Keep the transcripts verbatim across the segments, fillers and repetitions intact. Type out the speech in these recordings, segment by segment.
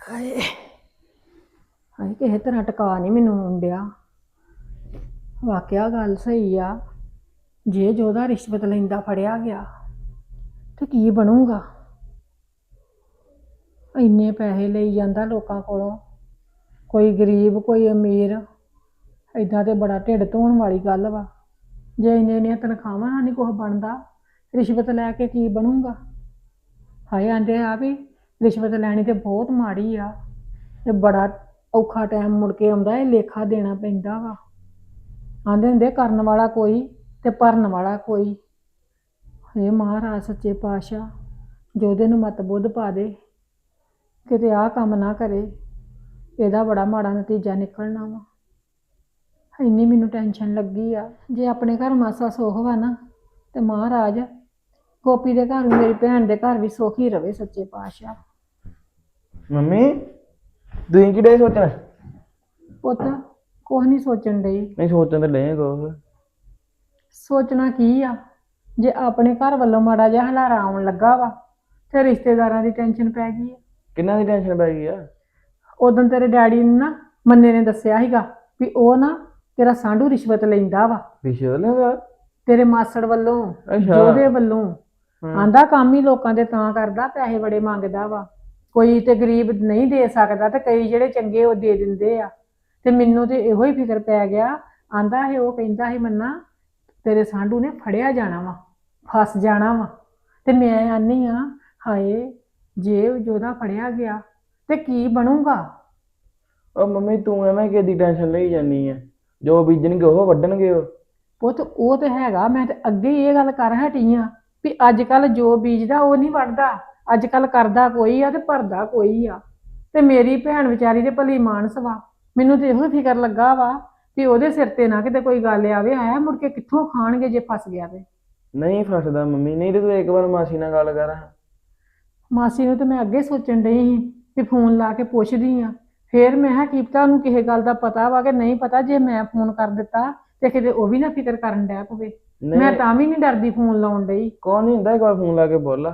ਹਾਏ ਹਾਏ ਕਿਸੇ ਤਰ੍ਹਾਂ ਟਿਕਾ ਨਹੀਂ ਮੈਨੂੰ ਆਉਂਦਿਆ। ਵਾਕਿਆ ਗੱਲ ਸਹੀ ਆ। ਜੇ ਜੋਦਾ ਰਿਸ਼ਵਤ ਲੈਂਦਾ ਫੜਿਆ ਗਿਆ ਤੇ ਕੀ ਬਣੂਗਾ। ਇੰਨੇ ਪੈਸੇ ਲਈ ਜਾਂਦਾ ਲੋਕਾਂ ਕੋਲੋਂ, ਕੋਈ ਗਰੀਬ ਕੋਈ ਅਮੀਰ। ਏਦਾਂ ਤੇ ਬੜਾ ਢਿੱਡ ਧੋਣ ਵਾਲੀ ਗੱਲ ਵਾ। ਜੇ ਇੰਨੇ ਇੰਨੀਆਂ ਤਨਖਾਹਾਂ ਨਾਲ ਨਹੀਂ ਕੁਛ ਬਣਦਾ, ਰਿਸ਼ਵਤ ਲੈ ਕੇ ਕੀ ਬਣੂਗਾ। ਹਾਏ ਆਂਦੇ ਆ ਵੀ ਰਿਸ਼ਵਤ ਲੈਣੀ ਤੇ ਬਹੁਤ ਮਾੜੀ ਆ ਤੇ ਬੜਾ ਔਖਾ ਟਾਈਮ ਮੁੜ ਕੇ ਆਉਂਦਾ, ਇਹ ਲੇਖਾ ਦੇਣਾ ਪੈਂਦਾ ਵਾ। ਆਂਦੇ ਹੁੰਦੇ ਕਰਨ ਵਾਲਾ ਕੋਈ ਤੇ ਭਰਨ ਵਾਲਾ ਕੋਈ। ਹੇ ਮਹਾਰਾਜ ਸੱਚੇ ਪਾਤਸ਼ਾਹ ਜੋਦੇ ਨੂੰ ਮਤ ਬੁੱਧ ਪਾ ਦੇ, ਕਿਤੇ ਆਹ ਕੰਮ ਨਾ ਕਰੇ, ਇਹਦਾ ਬੜਾ ਮਾੜਾ ਨਤੀਜਾ ਨਿਕਲਣਾ ਵਾ। ਇੰਨੀ ਮੈਨੂੰ ਟੈਨਸ਼ਨ ਲੱਗੀ ਆ। ਜੇ ਆਪਣੇ ਘਰ ਮਾਸਾ ਸੁੱਖ ਵਾ ਨਾ ਤੇ ਮਹਾਰਾਜ ਗੋਪੀ ਦੇ ਘਰ ਵੀ, ਮੇਰੀ ਭੈਣ ਦੇ ਘਰ ਵੀ ਸੁੱਖ ਹੀ ਰਵੇ ਸੱਚੇ ਪਾਤਸ਼ਾਹ। ਮੰਮੀ ਤੁਸੀਂ ਕਿਹੜੇ ਸੋਚਣਾ? ਪੁੱਤ ਕੁਛ ਨਹੀਂ ਸੋਚਣ ਡਈ। ਨਹੀਂ ਸੋਚਣ ਤੇ ਲੈ ਕੋ। ਸੋਚਣਾ ਕੀ ਆ, ਜੇ ਆਪਣੇ ਘਰ ਵੱਲੋਂ ਮਾੜਾ ਜਿਹਾ ਹਲਾਰਾ ਆਉਣ ਲੱਗਾ ਵਾ ਤੇ ਰਿਸ਼ਤੇਦਾਰਾਂ ਦੀ ਟੈਨਸ਼ਨ ਪੈ ਗਈ ਆ। ਕਿੰਨਾ ਦੀ ਟੈਨਸ਼ਨ ਪੈ ਗਈ ਆ? ਉਦੋਂ ਤੇਰੇ ਡੈਡੀ ਨੇ ਨਾ, ਮੰਨੇ ਨੇ ਦੱਸਿਆ ਸੀਗਾ ਵੀ ਉਹ ਨਾ ਤੇਰਾ ਸਾਂਢੂ ਰਿਸ਼ਵਤ ਲੈਂਦਾ ਵਾ ਰਿਸ਼ਵਤ ਲੈਂਦਾ ਤੇਰੇ ਮਾਸੜ ਵੱਲੋਂ, ਅੱਛਾ ਜੋਦੇ ਵੱਲੋਂ। ਹਮ। ਆਂਦਾ ਕੰਮ ਹੀ ਲੋਕਾਂ ਦੇ ਤਾਂ ਕਰਦਾ, ਪੈਸੇ ਬੜੇ ਮੰਗਦਾ ਵਾ। ਕੋਈ ਤੇ ਗਰੀਬ ਨਹੀਂ ਦੇ ਸਕਦਾ ਤੇ ਕਈ ਜਿਹੜੇ ਚੰਗੇ ਉਹ ਦੇ ਦਿੰਦੇ ਆ। ਤੇ ਮੈਨੂੰ ਤੇ ਇਹੋ ਹੀ ਫਿਕਰ ਪੈ ਗਿਆ। ਆਂਦਾ ਇਹ ਉਹ ਕਹਿੰਦਾ ਸੀ ਮੰਨਾ ਤੇਰੇ ਸਾਂਢੂ ਨੇ ਫੜਿਆ ਜਾਣਾ ਵਾ, ਫਸ ਜਾਣਾ ਵਾ। ਤੇ ਮੈਂ ਆਨੀ ਆ ਹਾਏ ਜੇ ਜੋਦਾ ਫੜਿਆ ਗਿਆ ਤੇ ਕੀ ਬਣੂਗਾ। ਉਹ ਮੰਮੀ ਤੂੰ ਐਵੇਂ ਕਿਹਦੀ ਟੈਨਸ਼ਨ ਲਈ ਜਾਨੀ ਆ? ਜੋ ਬੀਜਣਗੇ ਉਹ ਵੱਢਣਗੇ। ਉਹ ਪੁੱਤ ਉਹ ਤੇ ਹੈਗਾ, ਮੈਂ ਤੇ ਅੱਗੇ ਹੀ ਇਹ ਗੱਲ ਕਰ ਹਟੀ ਆ ਵੀ ਅੱਜ ਕੱਲ ਜੋ ਬੀਜਦਾ ਉਹ ਨਹੀਂ ਵੱਢਦਾ। ਅੱਜ ਕੱਲ ਕਰਦਾ ਕੋਈ ਆ ਤੇ ਭਰਦਾ ਕੋਈ ਆ। ਤੇ ਮੇਰੀ ਭੈਣ ਵਿਚਾਰੀ ਦੇ ਭਲੀ ਮਾਨਸ ਵਾ। ਮੈਨੂੰ ਤੇ ਇਹੋ ਫਿਕਰ ਲੱਗਾ ਵਾ ਵੀ ਉਹਦੇ ਸਿਰ ਤੇ ਨਾ ਕਿਤੇ ਕੋਈ ਗੱਲ ਆਵੇ, ਆਇਆ ਮੁੜ ਕੇ ਕਿੱਥੋਂ ਖਾਣਗੇ ਜੇ ਫਸ ਗਿਆ ਤੇ। ਨਹੀਂ ਫਸਦਾ ਮੰਮੀ, ਨਹੀਂ ਤੇ ਤੂੰ ਇੱਕ ਵਾਰ ਮਾਸੀ ਨਾਲ ਗੱਲ ਕਰ। ਮਾਸੀ ਨੂੰ ਤੇ ਮੈਂ ਅੱਗੇ ਸੋਚਣ ਡਈ ਸੀ ਵੀ ਫੋਨ ਲਾ ਕੇ ਪੁੱਛਦੀ ਆ। ਫੇਰ ਮੈਂ ਕਿਹਾ ਕੀ ਪਤਾ ਉਹਨੂੰ ਕਿਸੇ ਗੱਲ ਦਾ ਪਤਾ ਵਾ ਕਿ ਨਹੀਂ ਪਤਾ। ਜੇ ਮੈਂ ਫੋਨ ਕਰ ਦਿੱਤਾ ਤੇ ਕਿਤੇ ਉਹ ਵੀ ਨਾ ਫਿਕਰ ਕਰਨ ਡੈ ਪਵੇ। ਮੈਂ ਨਹੀਂ ਤਾਂ ਵੀ ਨਹੀਂ ਡਰਦੀ ਫੋਨ ਲਾਉਣ ਡਈ। ਕੌਣ ਨਹੀਂ ਹੁੰਦਾ, ਇੱਕ ਵਾਰ ਫੋਨ ਲਾ ਕੇ ਬੋਲ।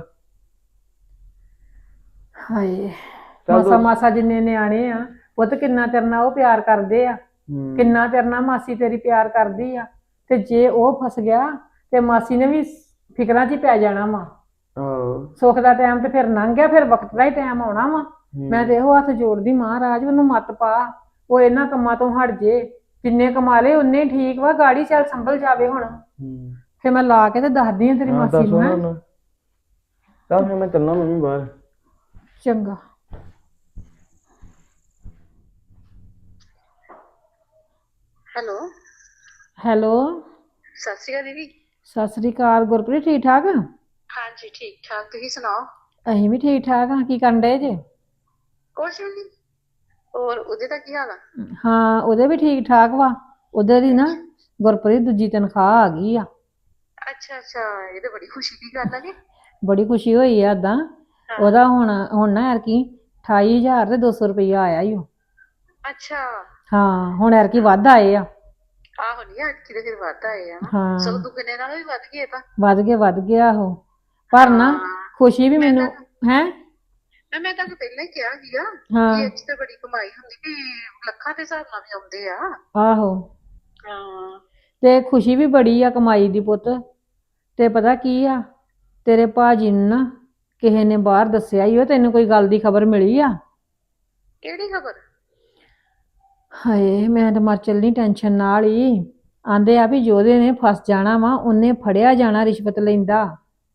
ਹਾਏ ਚੱਲ ਮਾਸਾ ਤੂੰ ਮਾਸਾ ਜਿੰਨੇ ਨਿਆਣੇ ਆ ਪੁੱਤ, ਕਿੰਨਾ ਤੇਰੇ ਨਾਲ ਉਹ ਪਿਆਰ ਕਰਦੇ ਆ, ਹਮ। ਕਿੰਨਾ ਤੇਰੇ ਨਾਲ ਮਾਸੀ ਤੇਰੀ ਪਿਆਰ ਕਰਦੀ ਆ। ਤੇ ਜੇ ਉਹ ਫਸ ਗਿਆ ਤੇ ਮਾਸੀ ਨੇ ਵੀ ਫਿਕਰਾਂ 'ਚ ਹੀ ਪੈ ਜਾਣਾ ਵਾ। ਆਹੋ। ਸੁੱਖ ਦਾ ਟਾਈਮ ਤੇ ਫਿਰ ਲੰਘ ਗਿਆ, ਫਿਰ ਵਕਤ ਦਾ ਹੀ ਟਾਈਮ ਆਉਣਾ ਵਾ। ਹਮ। ਮੈਂ ਤੇ ਇਹੋ ਹੱਥ ਜੋੜਦੀ ਮਹਾਰਾਜ ਉਹਨੂੰ ਮੱਤ ਪਾ, ਉਹ ਇਹਨਾਂ ਕੰਮਾਂ ਤੋਂ ਹਟ ਜੇ। ਜਿੰਨੇ ਕਮਾ ਲਏ ਉਨੇ ਠੀਕ ਵਾ, ਗਾੜੀ ਚੱਲ ਸੰਭਲ ਜਾਵੇ ਹੁਣ। ਹਮ। ਫਿਰ ਮੈਂ ਲਾ ਕੇ ਤੇ ਦੱਸਦੀ ਆ ਤੇਰੀ ਹਾਂ ਮਾਸੀ ਦੱਸ ਨੂੰ। ਹੈ ਉਹਨੂੰ। ਚੱਲ ਫਿਰ ਮੈਂ ਚੱਲਣਾ ਮੰਮੀ ਬਾਹਰ। ਚੰਗਾ। ਹੈਲੋ ਹੈਲੋ ਸਤਿ ਸ਼੍ਰੀ ਅਕਾਲ ਦੀਦੀ। ਸਤਿ ਸ੍ਰੀ ਅਕਾਲ। ਗੁਰਪ੍ਰੀਤ ਠੀਕ ਠਾਕ? ਹਾਂਜੀ ਠੀਕ ਠਾਕ, ਤੁਸੀਂ ਸੁਣਾਓ? ਅਸੀਂ ਵੀ ਠੀਕ ਠਾਕ ਹਾਂ। ਕੀ ਕਰਨ ਡਏ ਜੇ? ਕੁਛ ਵੀ ਨਹੀਂ। ਹੋਰ ਉਹਦੇ ਦਾ ਕੀ ਹਾਲ ਆ? ਹਾਂ ਉਹਦੇ ਵੀ ਠੀਕ ਠਾਕ ਵਾ। ਉਹਦੇ ਦੀ ਨਾ ਗੁਰਪ੍ਰੀਤ ਦੂਜੀ ਤਨਖਾਹ ਆ ਗਈ ਆ। ਅੱਛਾ ਅੱਛਾ, ਇਹ ਤਾਂ ਬੜੀ ਖੁਸ਼ੀ ਦੀ ਗੱਲ ਆ ਜੀ। ਬੜੀ ਖੁਸ਼ੀ ਹੋਈ ਆ ਏਦਾਂ। ਉਹਦਾ ਹੁਣ ਹੁਣ ਨਾ ਐਰਕੀ ਅਠਾਈ ਹਜ਼ਾਰ ਤੇ ਦੋ ਸੌ ਰੁਪਈਆ ਆਇਆ ਈ ਓ। ਅੱਛਾ। ਹਾਂ ਹੁਣ ਐਰਕੀ ਵੱਧ ਆਏ ਆ। ਆਹੋ ਨਹੀਂ ਅੱਜ ਕਿਤੇ ਫਿਰ ਵੱਧ ਆਏ ਆ ਨਾ। ਹਾਂ ਸਗੋਂ ਦੁੱਗਣੇ ਨਾਲੋਂ ਵੀ ਵੱਧ ਗਏ ਤਾਂ। ਵੱਧ ਗਏ ਵੱਧ ਗਿਆ ਉਹ। ਪਰ ਨਾ ਖੁਸ਼ੀ ਵੀ ਮੈਂ ਮੈਨੂੰ ਤਾਂ ਹੈ। ਮੈਂ ਮੈਂ ਤੁਹਾਨੂੰ ਪਹਿਲਾਂ ਹੀ ਕਿਹਾ ਸੀਗਾ ਹਾਂ ਕਿ ਇੱਥੇ ਤਾਂ ਬੜੀ ਕਮਾਈ ਹੁੰਦੀ ਵੀ ਲੱਖਾਂ ਦੇ ਹਿਸਾਬ ਨਾਲ ਵੀ ਆਉਂਦੇ ਆ। ਆਹੋ ਹਾਂ ਤੇ ਖੁਸ਼ੀ ਵੀ ਬੜੀ ਆ ਕਮਾਈ ਦੀ ਪੁੱਤ। ਤੇ ਪਤਾ ਕੀ ਆ, ਤੇਰੇ ਭਾਜੀ ਨੂੰ ਨਾ ਕਿਸੇ ਨੇ ਬਾਹਰ ਦੱਸਿਆ ਹੀ ਉਹ। ਤੈਨੂੰ ਕੋਈ ਗੱਲ ਦੀ ਖਬਰ ਮਿਲੀ ਆ? ਕਿਹੜੀ ਖਬਰ? ਹਾਏ ਮੈਂ ਤਾਂ ਮਰ ਚੱਲਣੀ ਟੈਨਸ਼ਨ ਨਾਲ ਹੀ। ਆਂਦੇ ਆ ਵੀ ਜੋਦੇ ਨੇ ਫਸ ਜਾਣਾ ਵਾ, ਉਹਨੇ ਫੜਿਆ ਜਾਣਾ ਰਿਸ਼ਵਤ ਲੈਂਦਾ।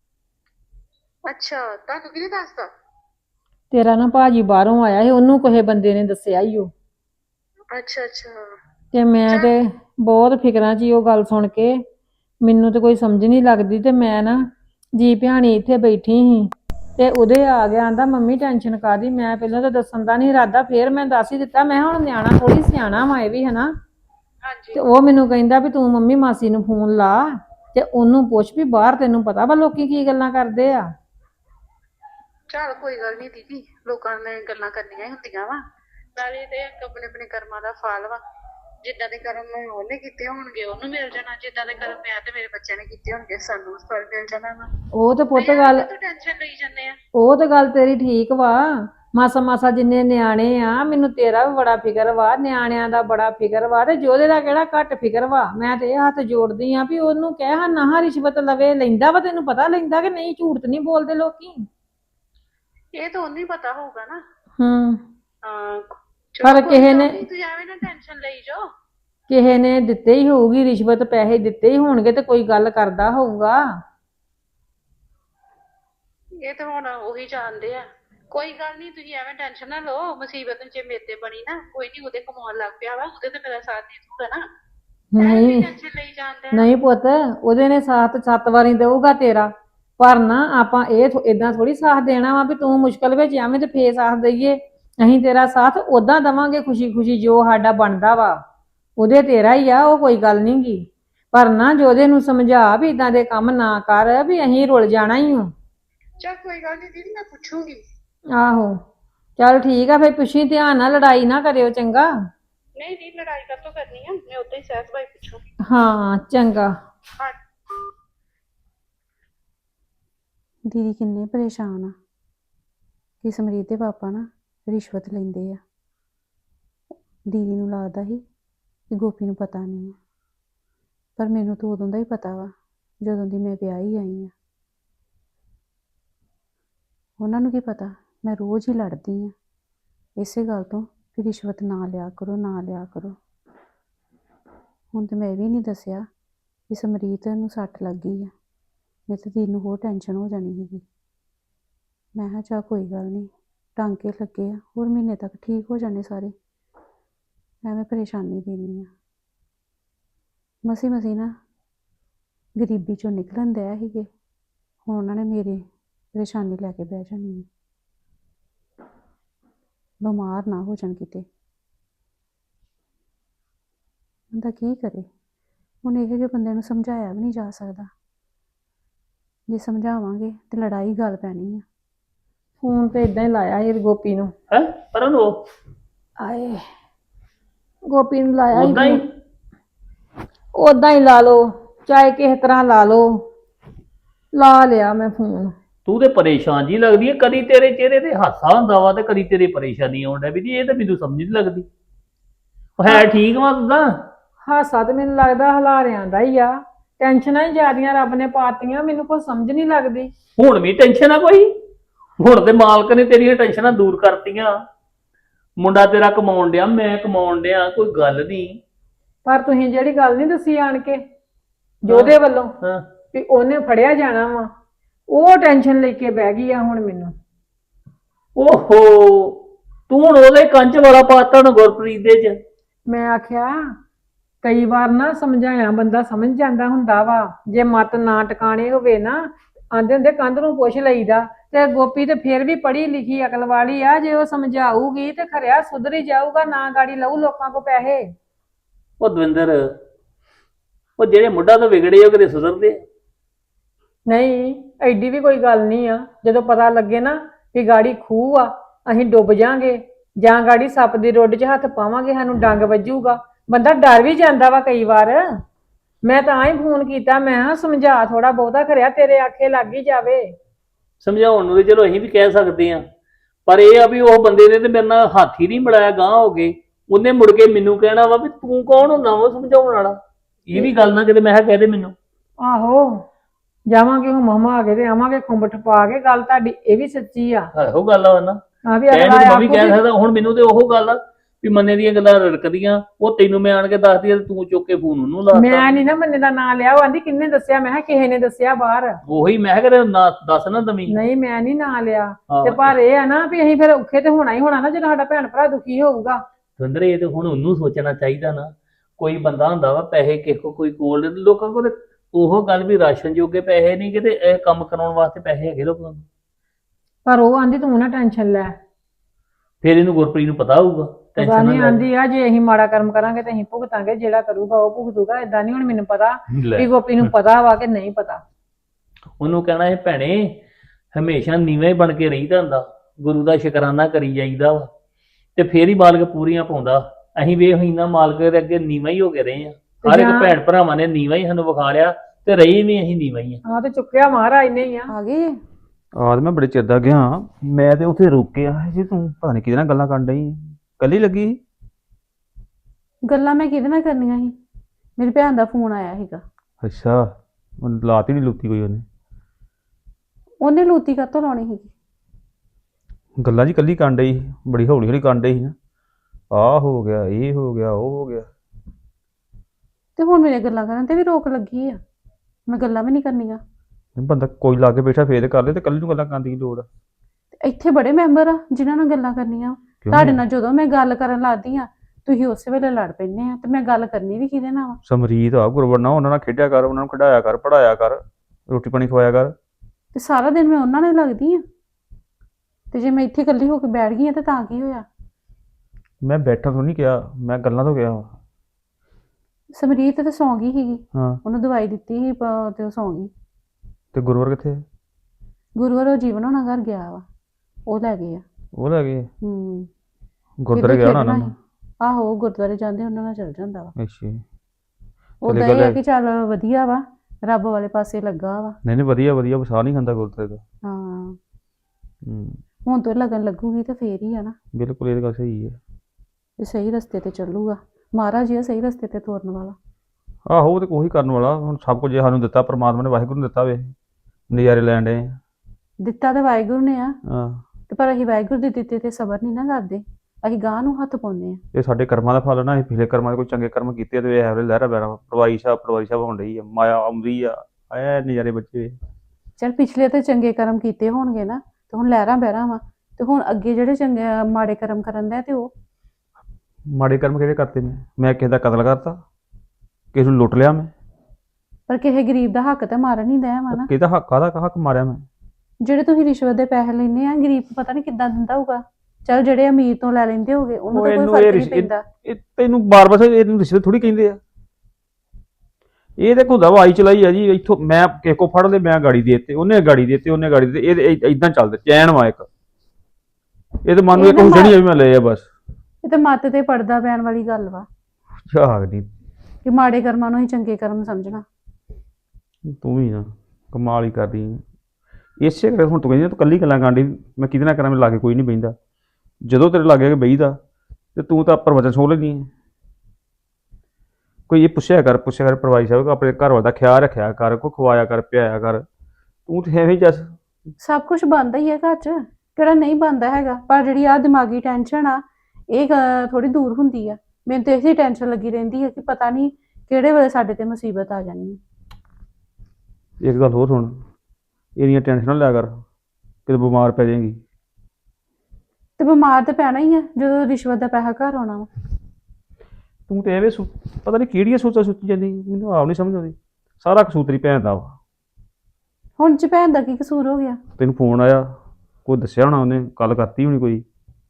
ਅੱਛਾ ਤੁਹਾਨੂੰ ਕਿਹਨੇ ਦੱਸਦਾ? ਤੇਰਾ ਨਾ ਭਾਜੀ ਬਾਹਰੋਂ ਆਇਆ ਸੀ, ਉਹਨੂੰ ਕਿਸੇ ਬੰਦੇ ਨੇ ਦੱਸਿਆ ਹੀ ਉਹ। ਅੱਛਾ ਅੱਛਾ। ਤੇ ਮੈਂ ਤੇ ਬਹੁਤ ਫਿਕਰਾਂ 'ਚ ਹੀ ਉਹ ਗੱਲ ਸੁਣ ਕੇ। ਮੈਨੂੰ ਤੇ ਕੋਈ ਸਮਝ ਨਹੀਂ ਲੱਗਦੀ। ਤੇ ਮੈਂ ਨਾ ਜੀ ਭਿਆਣੀ ਇੱਥੇ ਬੈਠੀ ਸੀ ਤੇ ਉਹਦੇ ਆ ਗਿਆ। ਆਂਦਾ ਮੰਮੀ ਟੈਨਸ਼ਨ ਕਾਹਦੀ? ਮੈਂ ਪਹਿਲਾਂ ਤਾਂ ਦੱਸਣ ਦਾ ਨਹੀਂ ਇਰਾਦਾ, ਫੇਰ ਮੈਂ ਦੱਸ ਹੀ ਦਿੱਤਾ। ਮੈਂ ਹੁਣ ਨਿਆਣਾ ਥੋੜੀ ਸਿਆਣਾ ਵਾ ਇਹ ਵੀ, ਹਨਾ। ਤੇ ਉਹ ਮੈਨੂੰ ਕਹਿੰਦਾ ਵੀ ਤੂੰ ਮੰਮੀ ਮਾਸੀ ਨੂੰ ਫੋਨ ਲਾ ਤੇ ਉਹਨੂੰ ਪੁੱਛ ਵੀ ਬਾਹਰ ਤੈਨੂੰ ਪਤਾ ਵਾ ਲੋਕੀ ਕੀ ਗੱਲਾਂ ਕਰਦੇ ਆ। ਚੱਲ ਕੋਈ ਗੱਲ ਨੀ ਦੀਦੀ, ਲੋਕਾਂ ਨੇ ਗੱਲਾਂ ਕਰਨੀਆਂ ਹੀ ਹੁੰਦੀਆਂ ਵਾ। ਨਾਲੇ ਤੇ ਆਪਣੇ ਆਪਣੇ ਕਰਮਾਂ ਦਾ ਫਲ ਵਾ। ਜਿੱਦਾਂ ਦੇ ਕਰਮ ਉਹਨੇ ਕੀਤੇ ਹੋਣਗੇ ਉਹਨੂੰ ਮਿਲ ਜਾਣਾ, ਜਿੱਦਾਂ ਦੇ ਕਰਮ ਮੈਂ ਤੇ ਮੇਰੇ ਬੱਚਿਆਂ ਨੇ ਕੀਤੇ ਹੋਣਗੇ ਸਾਨੂੰ ਫਲ ਮਿਲ ਜਾਣਾ ਵਾ। ਉਹ ਤੇ ਪੁੱਤ ਗੱਲ ਤੂੰ ਟੈਨਸ਼ਨ ਲਈ ਜਾਂਦੇ ਆ। ਉਹ ਤੇ ਗੱਲ ਤੇਰੀ ਠੀਕ ਵਾ। ਮਾਸਾ ਮਾਸਾ ਜਿੰਨੇ ਨਿਆਣੇ ਆ, ਮੈਨੂੰ ਤੇਰਾ ਵੀ ਬੜਾ ਫਿਕਰ ਵਾ, ਨਿਆਣਿਆਂ ਦਾ ਬੜਾ ਫਿਕਰ ਵਾ, ਤੇ ਜੋਦੇ ਦਾ ਕਿਹੜਾ ਘੱਟ ਫਿਕਰ ਵਾ। ਮੈਂ ਤੇ ਇਹ ਹੱਥ ਜੋੜਦੀ ਆ ਵੀ ਉਹਨੂੰ ਕਹਿ ਹਾਂ ਨਾ ਰਿਸ਼ਵਤ ਲਵੇ। ਲੈਂਦਾ ਵਾ, ਤੈਨੂੰ ਪਤਾ ਲੈਂਦਾ ਕਿ ਨਹੀਂ? ਝੂਠ ਤੇ ਨਹੀਂ ਬੋਲਦੇ ਲੋਕੀ। ਇਹ ਤਾਂ ਉਹਨੂੰ ਹੀ ਪਤਾ ਹੋਊਗਾ ਨਾ। ਹੂੰ। ਹਾਂ ਪਰ ਕਿਸੇ ਨੇ ਤੂੰ ਐਵੇਂ ਨਾ ਟੈਨਸ਼ਨ ਲਈ ਜੋ। ਕਿਸੇ ਨੇ ਦਿੱਤੇ ਹੀ ਹੋਊਗੀ ਰਿਸ਼ਵਤ, ਪੈਸੇ ਦਿੱਤੇ ਹੀ ਹੋਣਗੇ ਤੇ ਕੋਈ ਗੱਲ ਕਰਦਾ ਹੋਊਗਾ। ਇਹ ਤਾਂ ਹੁਣ ਉਹੀ ਜਾਣਦੇ ਆ। ਕੋਈ ਗੱਲ ਨਹੀਂ, ਤੁਸੀਂ ਐਵੇਂ ਟੈਨਸ਼ਨ ਨਾ ਲਓ। ਮੁਸੀਬਤ ਜੇ ਮੇਰੇ ਤੇ ਬਣੀ ਨਾ, ਕੋਈ ਨਹੀਂ, ਉਹਦੇ ਕਮਾਉਣ ਲੱਗ ਪਿਆ ਵਾ, ਉਹਦੇ ਤੇ ਮੇਰਾ ਸਾਥ ਦੇ ਦੂਗਾ ਨਾ। ਨਹੀਂ ਟੈਨਸ਼ਨ ਲਈ ਜਾਂਦੇ ਨਹੀਂ ਪੁੱਤ, ਉਹਦੇ ਨੇ ਸਾਥ ਸੱਤ ਵਾਰੀ ਦੇਊਗਾ ਤੇਰਾ। ਪਰ ਨਾ ਆਪਾਂ ਇਹ ਏਦਾਂ ਥੋੜੀ ਸਾਥ ਦੇਣਾ ਵਾ ਵੀ ਤੂੰ ਮੁਸ਼ਕਲ ਵਿੱਚ ਐਵੇਂ ਤੇ ਫੇਰ ਸਾਥ ਦਈਏ। ਅਸੀਂ ਤੇਰਾ ਸਾਥ ਓਦਾਂ ਦੇਵਾਂਗੇ, ਖੁਸ਼ੀ ਖੁਸ਼ੀ ਜੋ ਸਾਡਾ ਬਣਦਾ ਵਾ। ਉਹਦੇ ਤੇਰਾ ਹੀ ਆ, ਉਹ ਕੋਈ ਗੱਲ ਨੀ ਗੀ। ਪਰ ਨਾ ਜੋਦੇ ਨੂੰ ਸਮਝਾ ਵੀ ਇਦਾਂ ਦੇ ਕੰਮ ਨਾ ਕਰ, ਵੀ ਅਸੀਂ ਰੁਲ ਜਾਣਾ ਹੀ ਹੋ। ਚੱਲ ਕੋਈ ਗੱਲ ਨਹੀਂ ਦੀਦੀ, ਮੈਂ ਪੁੱਛੂਗੀ। ਆਹੋ ਚੱਲ ਠੀਕ ਆ, ਫੇਰ ਪੁੱਛੀ ਧਿਆਨ ਨਾਲ, ਲੜਾਈ ਨਾ ਕਰਿਓ, ਚੰਗਾ? ਨਹੀਂ ਨਹੀਂ, ਲੜਾਈ ਕਾਹਤੋਂ ਕਰਨੀ ਆ, ਮੈਂ ਉਦਾਂ ਹੀ ਸਹਿਜ ਭਾਈ ਪੁੱਛੂਗੀ। ਹਾਂ ਚੰਗਾ। ਹਾਂ ਦੀਦੀ ਕਿੰਨੇ ਪਰੇਸ਼ਾਨ ਆ ਕਿ ਸਮਰੀਤ ਦੇ ਪਾਪਾ ਨਾ ਰਿਸ਼ਵਤ ਲੈਂਦੇ ਆ। ਦੀਦੀ ਨੂੰ ਲੱਗਦਾ ਸੀ ਕਿ ਗੋਪੀ ਨੂੰ ਪਤਾ ਨਹੀਂ ਆ, ਪਰ ਮੈਨੂੰ ਤਾਂ ਉਦੋਂ ਦਾ ਹੀ ਪਤਾ ਵਾ ਜਦੋਂ ਦੀ ਮੈਂ ਵਿਆਹੀ ਆਈ ਆ। ਉਹਨਾਂ ਨੂੰ ਕੀ ਪਤਾ ਮੈਂ ਰੋਜ਼ ਹੀ ਲੜਦੀ ਆ ਇਸੇ ਗੱਲ ਤੋਂ ਕਿ ਰਿਸ਼ਵਤ ਨਾ ਲਿਆ ਕਰੋ, ਨਾ ਲਿਆ ਕਰੋ। ਹੁਣ ਤਾਂ ਮੈਂ ਵੀ ਨਹੀਂ ਦੱਸਿਆ ਕਿ ਸਮਰੀਤ ਨੂੰ ਸੱਟ ਲੱਗ ਗਈ ਆ, ਨਹੀਂ ਤਾਂ ਦੀਦੀ ਨੂੰ ਹੋਰ ਟੈਨਸ਼ਨ ਹੋ ਜਾਣੀ ਸੀਗੀ। ਮੈਂ ਕਿਹਾ ਚਾ ਕੋਈ ਗੱਲ ਨਹੀਂ, ਟਾਂਕੇ ਲੱਗੇ ਆ, ਹੋਰ ਮਹੀਨੇ ਤੱਕ ਠੀਕ ਹੋ ਜਾਣੇ ਸਾਰੇ, ਐਵੇਂ ਪਰੇਸ਼ਾਨੀ ਦੇਣੀ ਆ। ਮਸੀ ਮਸੀ ਨਾ ਗਰੀਬੀ ਚੋਂ ਨਿਕਲਣ ਦਿਆ ਸੀਗੇ, ਹੁਣ ਉਹਨਾਂ ਨੇ ਮੇਰੇ ਪਰੇਸ਼ਾਨੀ ਲੈ ਕੇ ਬਹਿ ਜਾਣੀ ਆ। ਬਿਮਾਰ ਨਾ ਹੋ ਜਾਣ ਕਿਤੇ, ਬੰਦਾ ਕੀ ਕਰੇ ਹੁਣ? ਇਹੋ ਜਿਹੇ ਬੰਦੇ ਨੂੰ ਸਮਝਾਇਆ ਵੀ ਨਹੀਂ ਜਾ ਸਕਦਾ। ਜੇ ਸਮਝਾਵਾਂਗੇ ਤੇ ਲੜਾਈ ਗੱਲ ਪੈਣੀ ਆ। ਫੋਨ ਤੇ ਇਦਾਂ ਹੀ ਲਾਇਆ ਸੀ ਗੋਪੀ ਨੂੰ। ਹੈ ਪਰਨ ਉਹ ਆਏ ਗੋਪੀ ਨੂੰ ਲਾਇਆ ਉਦਾਂ ਹੀ ਉਦਾਂ ਹੀ ਲਾ ਲਓ, ਚਾਹੇ ਕਿਸੇ ਤਰ੍ਹਾਂ ਲਾ ਲਓ, ਲਾ ਲਿਆ ਮੈਂ ਫੋਨ। ਤੂੰ ਤੇ ਪਰੇਸ਼ਾਨ ਜੀ ਲੱਗਦੀ ਹੈ, ਕਦੀ ਤੇਰੇ ਚਿਹਰੇ ਤੇ ਹਾਸਾ ਹੁੰਦਾ ਵਾ ਤੇ ਕਦੀ ਤੇਰੀ ਪਰੇਸ਼ਾਨੀ ਆਉਂਦਾ ਵੀ ਜੀ, ਇਹ ਤਾਂ ਮੈਨੂੰ ਸਮਝ ਨਹੀਂ ਲੱਗਦੀ। ਉਹ ਹੈ ਠੀਕ ਵਾ ਤੂੰ ਤਾਂ? ਹਾਸਾ ਤੇ ਮੈਨੂੰ ਲੱਗਦਾ ਹਲਾਰਿਆਂ ਦਾ ਹੀ ਆ। ਟੈਨਸ਼ਨਾਂ ਹੀ ਜ਼ਿਆਦੀਆਂ ਰੱਬ ਨੇ ਪਾਤੀਆਂ, ਮੈਨੂੰ ਕੋਈ ਸਮਝ ਨਹੀਂ ਲੱਗਦੀ। ਹੁਣ ਵੀ ਟੈਨਸ਼ਨ ਆ ਕੋਈ? ਹੁਣ ਤੇ ਮਾਲਕ ਨੇ ਤੇਰੀਆਂ ਟੈਨਸ਼ਨਾਂ ਦੂਰ ਕਰਤੀਆਂ। ਮੁੰਡਾ ਤੇਰਾ ਕਮਾਉਣ ਡਿਆ, ਮੈਂ ਕਮਾਉਣ ਡਿਆ, ਕੋਈ ਗੱਲ ਨਹੀਂ। ਪਰ ਤੁਸੀਂ ਜਿਹੜੀ ਗੱਲ ਨਹੀਂ ਦੱਸੀ ਆਣ ਕੇ ਜੋਦੇ ਵੱਲੋਂ ਹਾਂ ਵੀ ਉਹਨੇ ਫੜਿਆ ਜਾਣਾ ਵਾ, ਉਹ ਟੈਨਸ਼ਨ ਲੈ ਕੇ ਬਹਿ ਗਈ ਆ ਹੁਣ ਮੈਨੂੰ। ਓਹੋ, ਤੂੰ ਹੁਣ ਉਹਦੇ ਕੰਚ ਵਾਲਾ ਪਾਤਾ ਨਾ ਗੁਰਪ੍ਰੀਤ ਦੇ ਚ। ਮੈਂ ਆਖਿਆ ਕਈ ਵਾਰ ਨਾ ਸਮਝਾਇਆ ਬੰਦਾ ਸਮਝ ਜਾਂਦਾ ਹੁੰਦਾ ਵਾ, ਜੇ ਮਤ ਨਾ ਟਿਕਾਣੇ ਹੋਵੇ ਨਾ, ਆਂਦੇ ਹੁੰਦੇ ਕੰਧ ਨੂੰ ਪੁੱਛ ਲਈਦਾ। ਤੇ ਗੋਪੀ ਤੇ ਫਿਰ ਵੀ ਪੜ੍ਹੀ ਲਿਖੀ ਅਕਲ ਵਾਲੀ ਆ, ਜੇ ਉਹ ਸਮਝਾਊਗੀ ਤੇ ਖਰਿਆ ਸੁਧਰੀ ਜਾਊਗਾ, ਨਾ ਗਾੜੀ ਲਊ ਲੋਕਾਂ ਕੋ ਪੈਸੇ। ਉਹ ਦਵਿੰਦਰ, ਉਹ ਜਿਹੜੇ ਮੁੱਢਾ ਤੋਂ ਵਿਗੜੇ ਉਹ ਕਦੇ ਸੁਧਰਦੇ? ਨਹੀਂ ਐਡੀ ਵੀ ਕੋਈ ਗੱਲ ਨਹੀਂ ਆ। ਜਦੋਂ ਪਤਾ ਲੱਗੇ ਨਾ ਵੀ ਗਾੜੀ ਖੂਹ ਆ, ਅਸੀਂ ਡੁੱਬ ਜਾਾਂਗੇ, ਜਾਂ ਗਾੜੀ ਸੱਪ ਦੀ ਰੁੱਡ 'ਚ ਹੱਥ ਪਾਵਾਂਗੇ, ਸਾਨੂੰ ਡੰਗ ਵੱਜੂਗਾ, ਬੰਦਾ ਡਰ ਵੀ ਜਾਂਦਾ ਵਾ ਕਈ ਵਾਰ। ਮੈਂ ਤਾਂ ਹੀ ਫੋਨ ਕੀਤਾ, ਮੈਂ ਹਾਂ ਸਮਝਾ ਥੋੜਾ ਬਹੁਤਾ, ਖਰਿਆ ਤੇਰੇ ਆਖੇ ਲੱਗ ਹੀ ਜਾਵੇ। ਸਮਝਾਉਣ ਨੂੰ ਤੇ ਚਲੋ ਅਸੀਂ ਵੀ ਕਹਿ ਸਕਦੇ ਹਾਂ, ਪਰ ਇਹ ਆ ਵੀ ਉਹ ਬੰਦੇ ਨੇ ਤੇ ਮੇਰੇ ਨਾਲ ਹੱਥ ਹੀ ਨਹੀਂ ਮਿਲਾਇਆ, ਗਾਂਹ ਹੋ ਗਏ। ਉਹਨੇ ਮੁੜ ਕੇ ਮੈਨੂੰ ਕਹਿਣਾ ਵਾ ਵੀ ਤੂੰ ਕੌਣ ਹੁੰਦਾ ਵਾ ਸਮਝਾਉਣ ਵਾਲਾ? ਇਹ ਵੀ ਗੱਲ ਨਾ ਕਿਤੇ ਮੈਂ ਕਿਹਾ ਕਹਿ ਦੇ ਮੈਨੂੰ। ਆਹੋ ਜਾਵਾਂਗੇ ਹੁਣ ਮਾਮਾ ਆ ਗਏ ਤੇ ਆਵਾਂਗੇ ਖੁੰਬਟ ਪਾ ਕੇ। ਗੱਲ ਤੁਹਾਡੀ ਇਹ ਵੀ ਸੱਚੀ ਆ। ਇਹੋ ਗੱਲ ਆ ਨਾ, ਆ ਵੀ ਕਹਿਣ ਅਗਲਾ ਨੂੰ ਮੈਂ ਵੀ ਕਹਿ ਆਖੂ ਸਕਦਾ। ਹੁਣ ਮੈਨੂੰ ਤੇ ਉਹ ਗੱਲ ਆ ਵੀ ਮੰਨੇ ਦੀਆਂ ਗੱਲਾਂ ਰੜਕਦੀਆਂ, ਉਹ ਤੈਨੂੰ ਮੈਂ ਆਣ ਕੇ ਦੱਸਦੀ ਤੇ ਤੂੰ ਚੁੱਕ ਕੇ ਫੋਨ ਉਹਨੂੰ ਲਾਤਾ। ਮੈਂ ਨਹੀਂ ਨਾ ਮੰਨੇ ਦਾ ਨਾਂ ਲਿਆ। ਉਹ ਆਂਦੀ ਕਿੰਨੇ ਦੱਸਿਆ? ਮੈਂ ਕਿਹਾ ਕਿਸੇ ਨੇ ਦੱਸਿਆ ਬਾਹਰ। ਉਹੀ ਮੈਂ ਕਿਹਾ ਨਾ ਦੱਸ ਨਾ ਦਵੀਂ। ਨਹੀਂ ਮੈਂ ਨਹੀਂ ਨਾਂ ਲਿਆ। ਹਾਂ। ਤੇ ਪਰ ਇਹ ਆ ਨਾ ਵੀ ਅਸੀਂ ਫਿਰ ਔਖੇ ਤੇ ਹੋਣਾ ਹੀ ਹੋਣਾ ਨਾ, ਜਦੋਂ ਸਾਡਾ ਭੈਣ ਭਰਾ ਦੁਖੀ ਹੋਊਗਾ। ਦਵਿੰਦਰ, ਇਹ ਤੇ ਹੁਣ ਉਹਨੂੰ ਸੋਚਣਾ ਚਾਹੀਦਾ ਨਾ। ਕੋਈ ਬੰਦਾ ਹੁੰਦਾ ਵਾ ਪੈਸੇ ਕਿਸੇ ਕੋ ਕੋਈ ਕੋਲ, ਲੋਕਾਂ ਕੋਲ ਉਹ ਗੱਲ ਵੀ ਰਾਸ਼ਨ ਜੋਗੇ ਪੈਸੇ ਨਹੀਂ, ਕਿਤੇ ਇਹ ਕੰਮ ਕਰਾਉਣ ਵਾਸਤੇ ਪੈਸੇ ਹੈਗੇ ਲੋਕਾਂ ਨੂੰ। ਪਰ ਉਹ ਆਂਦੀ ਤੂੰ ਨਾ ਟੈਨਸ਼ਨ ਲੈ। ਫਿਰ ਇਹਨੂੰ ਗੁਰਪ੍ਰੀਤ ਨੂੰ ਪਤਾ ਹੋਊਗਾ। ਪਤਾ ਟੈਨਸ਼ਨ ਨਹੀਂ ਨਾ ਆਂਦੀ ਆ ਜੇ ਅਸੀਂ ਮਾੜਾ ਕਰਮ ਕਰਾਂਗੇ ਤੇ ਅਸੀਂ ਭੁਗਤਾਂਗੇ, ਜਿਹੜਾ ਕਰੂਗਾ ਉਹ ਭੁਗਤੂਗਾ। ਏਦਾਂ ਨਹੀਂ ਹੁਣ ਮੈਨੂੰ ਪਤਾ ਲੈ। ਵੀ ਗੋਪੀ ਨੂੰ ਪਤਾ ਵਾ ਕਿ ਨਹੀਂ ਪਤਾ। ਉਹਨੂੰ ਕਹਿਣਾ ਇਹ ਭੈਣੇ ਹਮੇਸ਼ਾ ਨੀਵੇਂ ਬਣ ਕੇ ਰਹੀਦਾ ਹੁੰਦਾ, ਗੁਰੂ ਦਾ ਸ਼ੁਕਰਾਨਾ ਕਰੀ ਜਾਈਦਾ ਵਾ, ਤੇ ਫੇਰ ਹੀ ਮਾਲਕ ਪੂਰੀਆਂ ਪਾਉਂਦਾ। ਅਸੀਂ ਵੇਖ ਹੀ ਨਾ ਮਾਲਕ ਦੇ ਅੱਗੇ ਨੀਵਾਂ ਹੀ ਹੋ ਕੇ ਰਹੇ ਆ। ਹਰ ਇੱਕ ਭੈਣ ਭਰਾਵਾਂ ਨੇ ਨੀਵਾਂ ਹੀ ਸਾਨੂੰ ਵਿਖਾ ਲਿਆ, ਤੇ ਰਹੀ ਵੀ ਅਸੀਂ ਨੀਵਾਂ ਹੀ ਆ। ਹਾਂ ਤੇ ਚੁੱਕਿਆ ਮਹਾਰਾਜ ਨੇ ਹੀ ਆ। ਆ ਗਏ? ਆਦ ਮੈਂ ਬੜੇ ਚਿਰ ਦਾ ਗਿਆ। ਮੈਂ ਤੇ ਉੱਥੇ ਰੁਕਿਆ ਜੀ, ਤੂੰ ਪਤਾ ਨਹੀਂ ਕਿਹਦੇ ਨਾਲ ਗੱਲਾਂ ਕਰਨ ਡਈ ਕੱਲੀ ਲੱਗੀ ਸੀ? ਗੱਲਾਂ ਮੈਂ ਕਿਹਦੇ ਨਾਲ ਕਰਨੀਆਂ ਸੀ? ਮੇਰੀ ਭੈਣ ਦਾ ਫੋਨ ਆਇਆ ਸੀਗਾ। ਅੱਛਾ, ਉਹਨੇ ਲਾਤੀ ਨਹੀਂ ਲੁੱਤੀ ਕੋਈ ਉਹਨੇ? ਉਹਨੇ ਲੂਤੀ ਕਾਹਤੋਂ ਲਾਉਣੀ ਸੀਗੀ? ਗੱਲਾਂ ਜੀ ਕੱਲੀ ਕਰਨ ਡਈ ਸੀ, ਬੜੀ ਹੌਲੀ ਹੌਲੀ ਕਰਨ ਡਈ ਸੀ ਨਾ। ਆਹ ਹੋ ਗਿਆ, ਇਹ ਹੋ ਗਿਆ, ਉਹ ਹੋ ਗਿਆ। ਤੇ ਹੁਣ ਮੇਰੇ ਗੱਲਾਂ ਕਰਨ ਤੇ ਵੀ ਰੋਕ ਲੱਗੀ ਆ। ਮੈਂ ਗੱਲਾਂ ਵੀ ਨਹੀਂ ਕਰਨੀਆਂ। ਬੰਦਾ ਕੋਈ ਲਾ ਕੇ ਬੈਠਾ ਫੇਰ ਕਰ ਲੇ, ਤੇ ਕੱਲੀ ਨੂੰ ਗੱਲਾਂ ਕਰਨ ਦੀ ਕੀ ਲੋੜ ਆ? ਤੇ ਇੱਥੇ ਬੜੇ ਮੈਂਬਰ ਆ ਜਿਨ੍ਹਾਂ ਨਾਲ ਗੱਲਾਂ ਕਰਨੀਆਂ। ਕਿਉਂ? ਤੁਹਾਡੇ ਨਾਲ ਜਦੋਂ ਮੈਂ ਗੱਲ ਕਰਨ ਲੱਗਦੀ ਆ ਤੁਸੀਂ ਉਸੇ ਵੇਲੇ ਲੜ ਪੈਂਦੇ ਆ, ਤੇ ਮੈਂ ਗੱਲ ਕਰਨੀ ਵੀ ਕਿਹਦੇ ਨਾਲ ਵਾ? ਸਮਰੀਤ ਆ ਗੁਰਵਰਨਾ, ਉਹਨਾਂ ਨਾਲ ਖੇਡਿਆ ਕਰ, ਉਹਨਾਂ ਨੂੰ ਖਿਡਾਇਆ ਕਰ, ਪੜਾਇਆ ਕਰ, ਰੋਟੀ ਪਾਣੀ ਖਵਾਇਆ ਕਰ। ਤੇ ਸਾਰਾ ਦਿਨ ਮੈਂ ਉਹਨਾਂ ਨਾਲ ਲੱਗਦੀ ਆ। ਤੇ ਜੇ ਮੈਂ ਇੱਥੇ ਇਕੱਲੀ ਹੋ ਕੇ ਬੈਠ ਗਈ ਆ ਤੇ ਤਾਂ ਕੀ ਹੋਇਆ? ਮੈਂ ਬੈਠਾ ਤੋਂ ਨਹੀਂ ਕਿਹਾ, ਮੈਂ ਗੱਲਾਂ ਤੋਂ ਗਿਆ। ਸਮਰੀਤ ਤੇ ਸੌਂ ਗਈ ਸੀਗੀ। ਹਾਂ, ਉਹਨੂੰ ਦਵਾਈ ਦਿੱਤੀ ਸੀ ਪ- ਤੇ ਉਹ ਸੌਂ ਗਈ। ਤੇ ਗੁਰਵਰ ਕਿੱਥੇ? ਗੁਰੂਵਾਰ ਉਹ ਜੀਵਨ ਹੋਣਾ ਘਰ ਗਿਆ ਵਾ, ਉਹ ਲੈ ਗਏ ਆ। ਉਹ ਲੈ ਗਏ ਹੂੰ ਗੁਰਦੁਆਰੇ ਕਿਤੇ ਗਿਆ ਨਾ ਖੇਡਣਾ ਉਹਨਾਂ ਸੀ। ਆਹੋ ਗੁਰਦੁਆਰੇ ਜਾਂਦੇ ਉਹਨਾਂ ਨਾਲ ਚੱਲ ਜਾਂਦਾ ਵਾ। ਨਾਲ। ਅੱਛਾ, ਉਹਦਾ ਗੱਲ ਇਹ ਹੈ ਹੈ। ਕਿ ਚੱਲ ਵਧੀਆ ਵਾ, ਰੱਬ ਵਾਲੇ ਪਾਸੇ ਲੱਗਾ ਵਾ। ਨਹੀਂ ਨਹੀਂ, ਵਧੀਆ ਵਧੀਆ, ਵਸਾ ਨਹੀਂ ਖਾਂਦਾ ਗੁਰਦੁਆਰੇ ਦਾ। ਹਾਂ ਹੂੰ, ਹੁਣ ਤੋਂ ਲੱਗਣ ਲੱਗੂਗੀ ਤੇ ਫੇਰ ਹੀ ਆ ਨਾ, ਬਿਲਕੁਲ ਇਹ ਗੱਲ ਸਹੀ ਹੈ। ਤੇ ਸਹੀ ਰਸਤੇ ਤੇ ਚੱਲੂਗਾ। ਮਹਾਰਾਜ ਹੀ ਆ ਸਹੀ ਰਸਤੇ ਤੇ ਤੋਰਨ ਵਾਲਾ। ਆਹੋ, ਉਹ ਤੇ ਉਹੀ ਕਰਨ ਵਾਲਾ। ਹੁਣ ਸਭ ਕੁਝ ਜੇ ਸਾਨੂੰ ਦਿੱਤਾ ਪਰਮਾਤਮਾ ਨੇ, ਵਾਹਿਗੁਰੂ ਨੇ ਦਿੱਤਾ ਵੇ, ਨਜ਼ਾਰੇ ਲੈਣ ਡਏ ਆ। ਦਿੱਤਾ ਤਾਂ ਵਾਹਿਗੁਰੂ ਨੇ ਆ, ਹਾਂ, ਤੇ ਪਰ ਅਸੀਂ ਵਾਹਿਗੁਰੂ ਦੇ ਦਿੱਤੇ ਤੇ ਸਬਰ ਨਹੀਂ ਨਾ ਕਰਦੇ। ਅਸੀਂ ਗਾਂ ਨੂੰ ਹੱਥ ਪਾਉਂਦੇ ਆ। ਇਹ ਸਾਡੇ ਕਰਮਾਂ ਦਾ ਫਲ ਆ ਨਾ। ਅਸੀਂ ਪਿਛਲੇ ਕਰਮਾਂ ਦੇ ਕੋਈ ਚੰਗੇ ਕਰਮ ਕੀਤੇ ਤੇ ਇਹ ਵੇਲੇ ਲਹਿਰਾ ਬਹਿਰਾ ਪਰਵਾਈ ਸਾਹਿਬ ਪਰਵਾਈ ਸਾਹਿਬ ਹੋਣ ਡਈ ਆ, ਮਾਇਆ ਆਉਂਦੀ ਆ, ਐ ਨਜ਼ਾਰੇ ਬੱਚੇ। ਚੱਲ ਪਿਛਲੇ ਤੇ ਚੰਗੇ ਕਰਮ ਕੀਤੇ ਹੋਣਗੇ ਨਾ, ਤੇ ਹੁਣ ਲਹਿਰਾਂ ਬਹਿਰਾਂ ਵਾ, ਤੇ ਹੁਣ ਅੱਗੇ ਜਿਹੜੇ ਚੰਗੇ ਮਾੜੇ ਕਰਮ ਕਰਨ ਦਾ ਤੇ ਉਹ ਮਾੜੇ ਕਰਮ ਕਿਹੜੇ ਕਰਤੇ ਨੇ? ਮੈਂ ਕਿਸੇ ਦਾ ਕਤਲ ਕਰਤਾ, ਕਿਸੇ ਨੂੰ ਲੁੱਟ ਲਿਆ ਮੈਂ? ਪਰ ਕਿਸੇ ਗਰੀਬ ਦਾ ਹੱਕ ਤੇ ਮਾਰਨ ਹੀ ਦਇਆ ਵਾ ਨਾ। ਕਿਹਦਾ ਹੱਕ, ਕਾਹਦਾ ਹੱਕ ਮਾਰਿਆ ਮੈਂ? ਜਿਹੜੇ ਤੁਸੀਂ ਰਿਸ਼ਵਤ ਦੇ ਪੈਸੇ ਲੈਂਦੇ ਆ, ਗਰੀਬ ਪਤਾ ਨਹੀਂ ਕਿੱਦਾਂ ਦਿੰਦਾ ਹੋਊਗਾ। ਚੱਲ ਜਿਹੜੇ ਅਮੀਰ ਤੋਂ ਲੈ ਲੈਂਦੇ ਹੋਗੇ ਉਹਨੂੰ ਤਾਂ ਕੋਈ ਇਹਨੂੰ ਫਰਕ ਇਹ ਨਹੀਂ ਰਿਸ਼- ਪੈਂਦਾ। ਇਹ ਤੈਨੂੰ ਬਾਰ-ਬਾਰ ਇਹਨੂੰ ਰਿਸ਼ਵਤ ਥੋੜੀ ਕਹਿੰਦੇ ਆ। ਇਹ ਤੇ ਹੁੰਦਾ ਵਾ ਆਈ ਚਲਾਈ ਆ ਜੀ। ਇੱਥੋਂ ਮੈਂ ਕਿਸੇ ਕੋ ਫੜ ਲਏ, ਮੈਂ ਗਾੜੀ ਦੇ ਦਿੱਤੇ, ਉਹਨੇ ਗਾੜੀ ਦੇ ਦਿੱਤੇ, ਉਹਨੇ ਗਾੜੀ ਦੇ ਦਿੱਤੇ। ਇਹ ਇਦਾਂ ਚੱਲਦਾ ਚੈਨ ਵਾ ਇੱਕ। ਇਹ ਤੇ ਮਨ ਨੂੰ ਇਹ ਇੱਕ ਨਾ ਹੁਜਣੀ ਆ ਵੀ ਮੈਂ ਲਏ ਆ ਬਸ। ਇਹ ਤਾਂ ਮੱਤ ਤੇ ਪੜਦਾ ਪੈਣ ਵਾਲੀ ਗੱਲ ਵਾ ਝਾਗ ਨਹੀਂ। ਕਿ ਮਾੜੇ ਕਰਮਾਂ ਨੂੰ ਹੀ ਚੰਗੇ ਕਰਮ ਸਮਝਣਾ। ਤੂੰ ਵੀ ਨਾ ਕਮਾਲ ਹੀ ਕਰਦੀ ਆਂ। ਇਸੇ ਕਰਕੇ ਹੁਣ ਤੂੰ ਕਹਿੰਦੀ ਤੂੰ ਕੱਲੀ ਗੱਲਾਂ ਕਾਂਡੀ, ਮੈਂ ਕਿਹਦੇ ਨਾਲ ਕਰਾਂ? ਮੇਰੇ ਲਾਗੇ ਕੋਈ ਨਹੀਂ ਬਹਿੰਦਾ। ਜਦੋਂ ਤੇਰੇ ਲਾਗੇ ਬਹਿਦਾ ਤੇ ਤੂੰ ਤਾਂ ਪ੍ਰਵਚਨ ਸੁਣ ਲੈਂਦੀ ਹੈ। ਕੋਈ ਇਹ ਪੁੱਛਿਆ ਕਰ, ਪੁੱਛਿਆ ਕਰ ਪ੍ਰਵਾਈ ਸਾਹਿਬ, ਆਪਣੇ ਘਰ ਵਾਲ ਦਾ ਖਿਆਲ ਰੱਖਿਆ ਕਰ, ਕੋਈ ਖਵਾਇਆ ਕਰ, ਪਿਆਇਆ ਕਰ। ਤੂੰ ਤੇ ਐਵੇਂ ਜਸ ਸਭ ਕੁਝ ਬਣਦਾ ਹੀ ਹੈ ਘਰ 'ਚ, ਕਿਹੜਾ ਨਹੀਂ ਬਣਦਾ ਹੈਗਾ। ਪਰ ਜਿਹੜੀ ਆ ਦਿਮਾਗੀ ਟੈਨਸ਼ਨ ਆ, ਇਹ ਥੋੜੀ ਦੂਰ ਹੁੰਦੀ ਆ। ਮੈਨੂੰ ਤਾਂ ਇਸੇ ਟੈਨਸ਼ਨ ਲੱਗੀ ਰਹਿੰਦੀ ਹੈ ਕਿ ਪਤਾ ਨਹੀਂ ਕਿਹੜੇ ਵੇਲੇ ਸਾਡੇ ਤੇ ਮੁਸੀਬਤ ਆ ਜਾਣੀ ਹੈ। ਇੱਕ ਗੱਲ ਹੋਰ ਸੁਣ, ਇਹਦੀਆਂ ਟੈਨਸ਼ਨਾਂ ਲਿਆ ਕਰ, ਕਿਤੇ ਬਿਮਾਰ ਪੈ ਜਾਏਗੀ। ਤੇ ਬਿਮਾਰ ਤੇ ਪੈਣਾ ਹੀ ਆ ਜਦੋਂ ਰਿਸ਼ਵਤ ਦਾ ਪੈਸਾ ਘਰ ਆਉਣਾ ਵਾ। ਤੂੰ ਤੇ ਐਵੇਂ ਸੋ ਪਤਾ ਨਹੀਂ ਕਿਹੜੀਆਂ ਸੋਚਾਂ ਸੋਚੀ ਜਾਂਦੀ, ਮੈਨੂੰ ਆਪ ਨਹੀਂ ਸਮਝ ਆਉਂਦੀ। ਸਾਰਾ ਕਸੂਰ ਤੇਰੀ ਭੈਣ ਦਾ ਵਾ। ਹੁਣ ਚ ਭੈਣ ਦਾ ਕੀ ਕਸੂਰ ਹੋ ਗਿਆ? ਤੈਨੂੰ ਫੋਨ ਆਇਆ, ਕੋਈ ਦੱਸਿਆ ਹੋਣਾ ਉਹਨੇ, ਗੱਲ ਕਰਤੀ ਹੋਣੀ ਕੋਈ।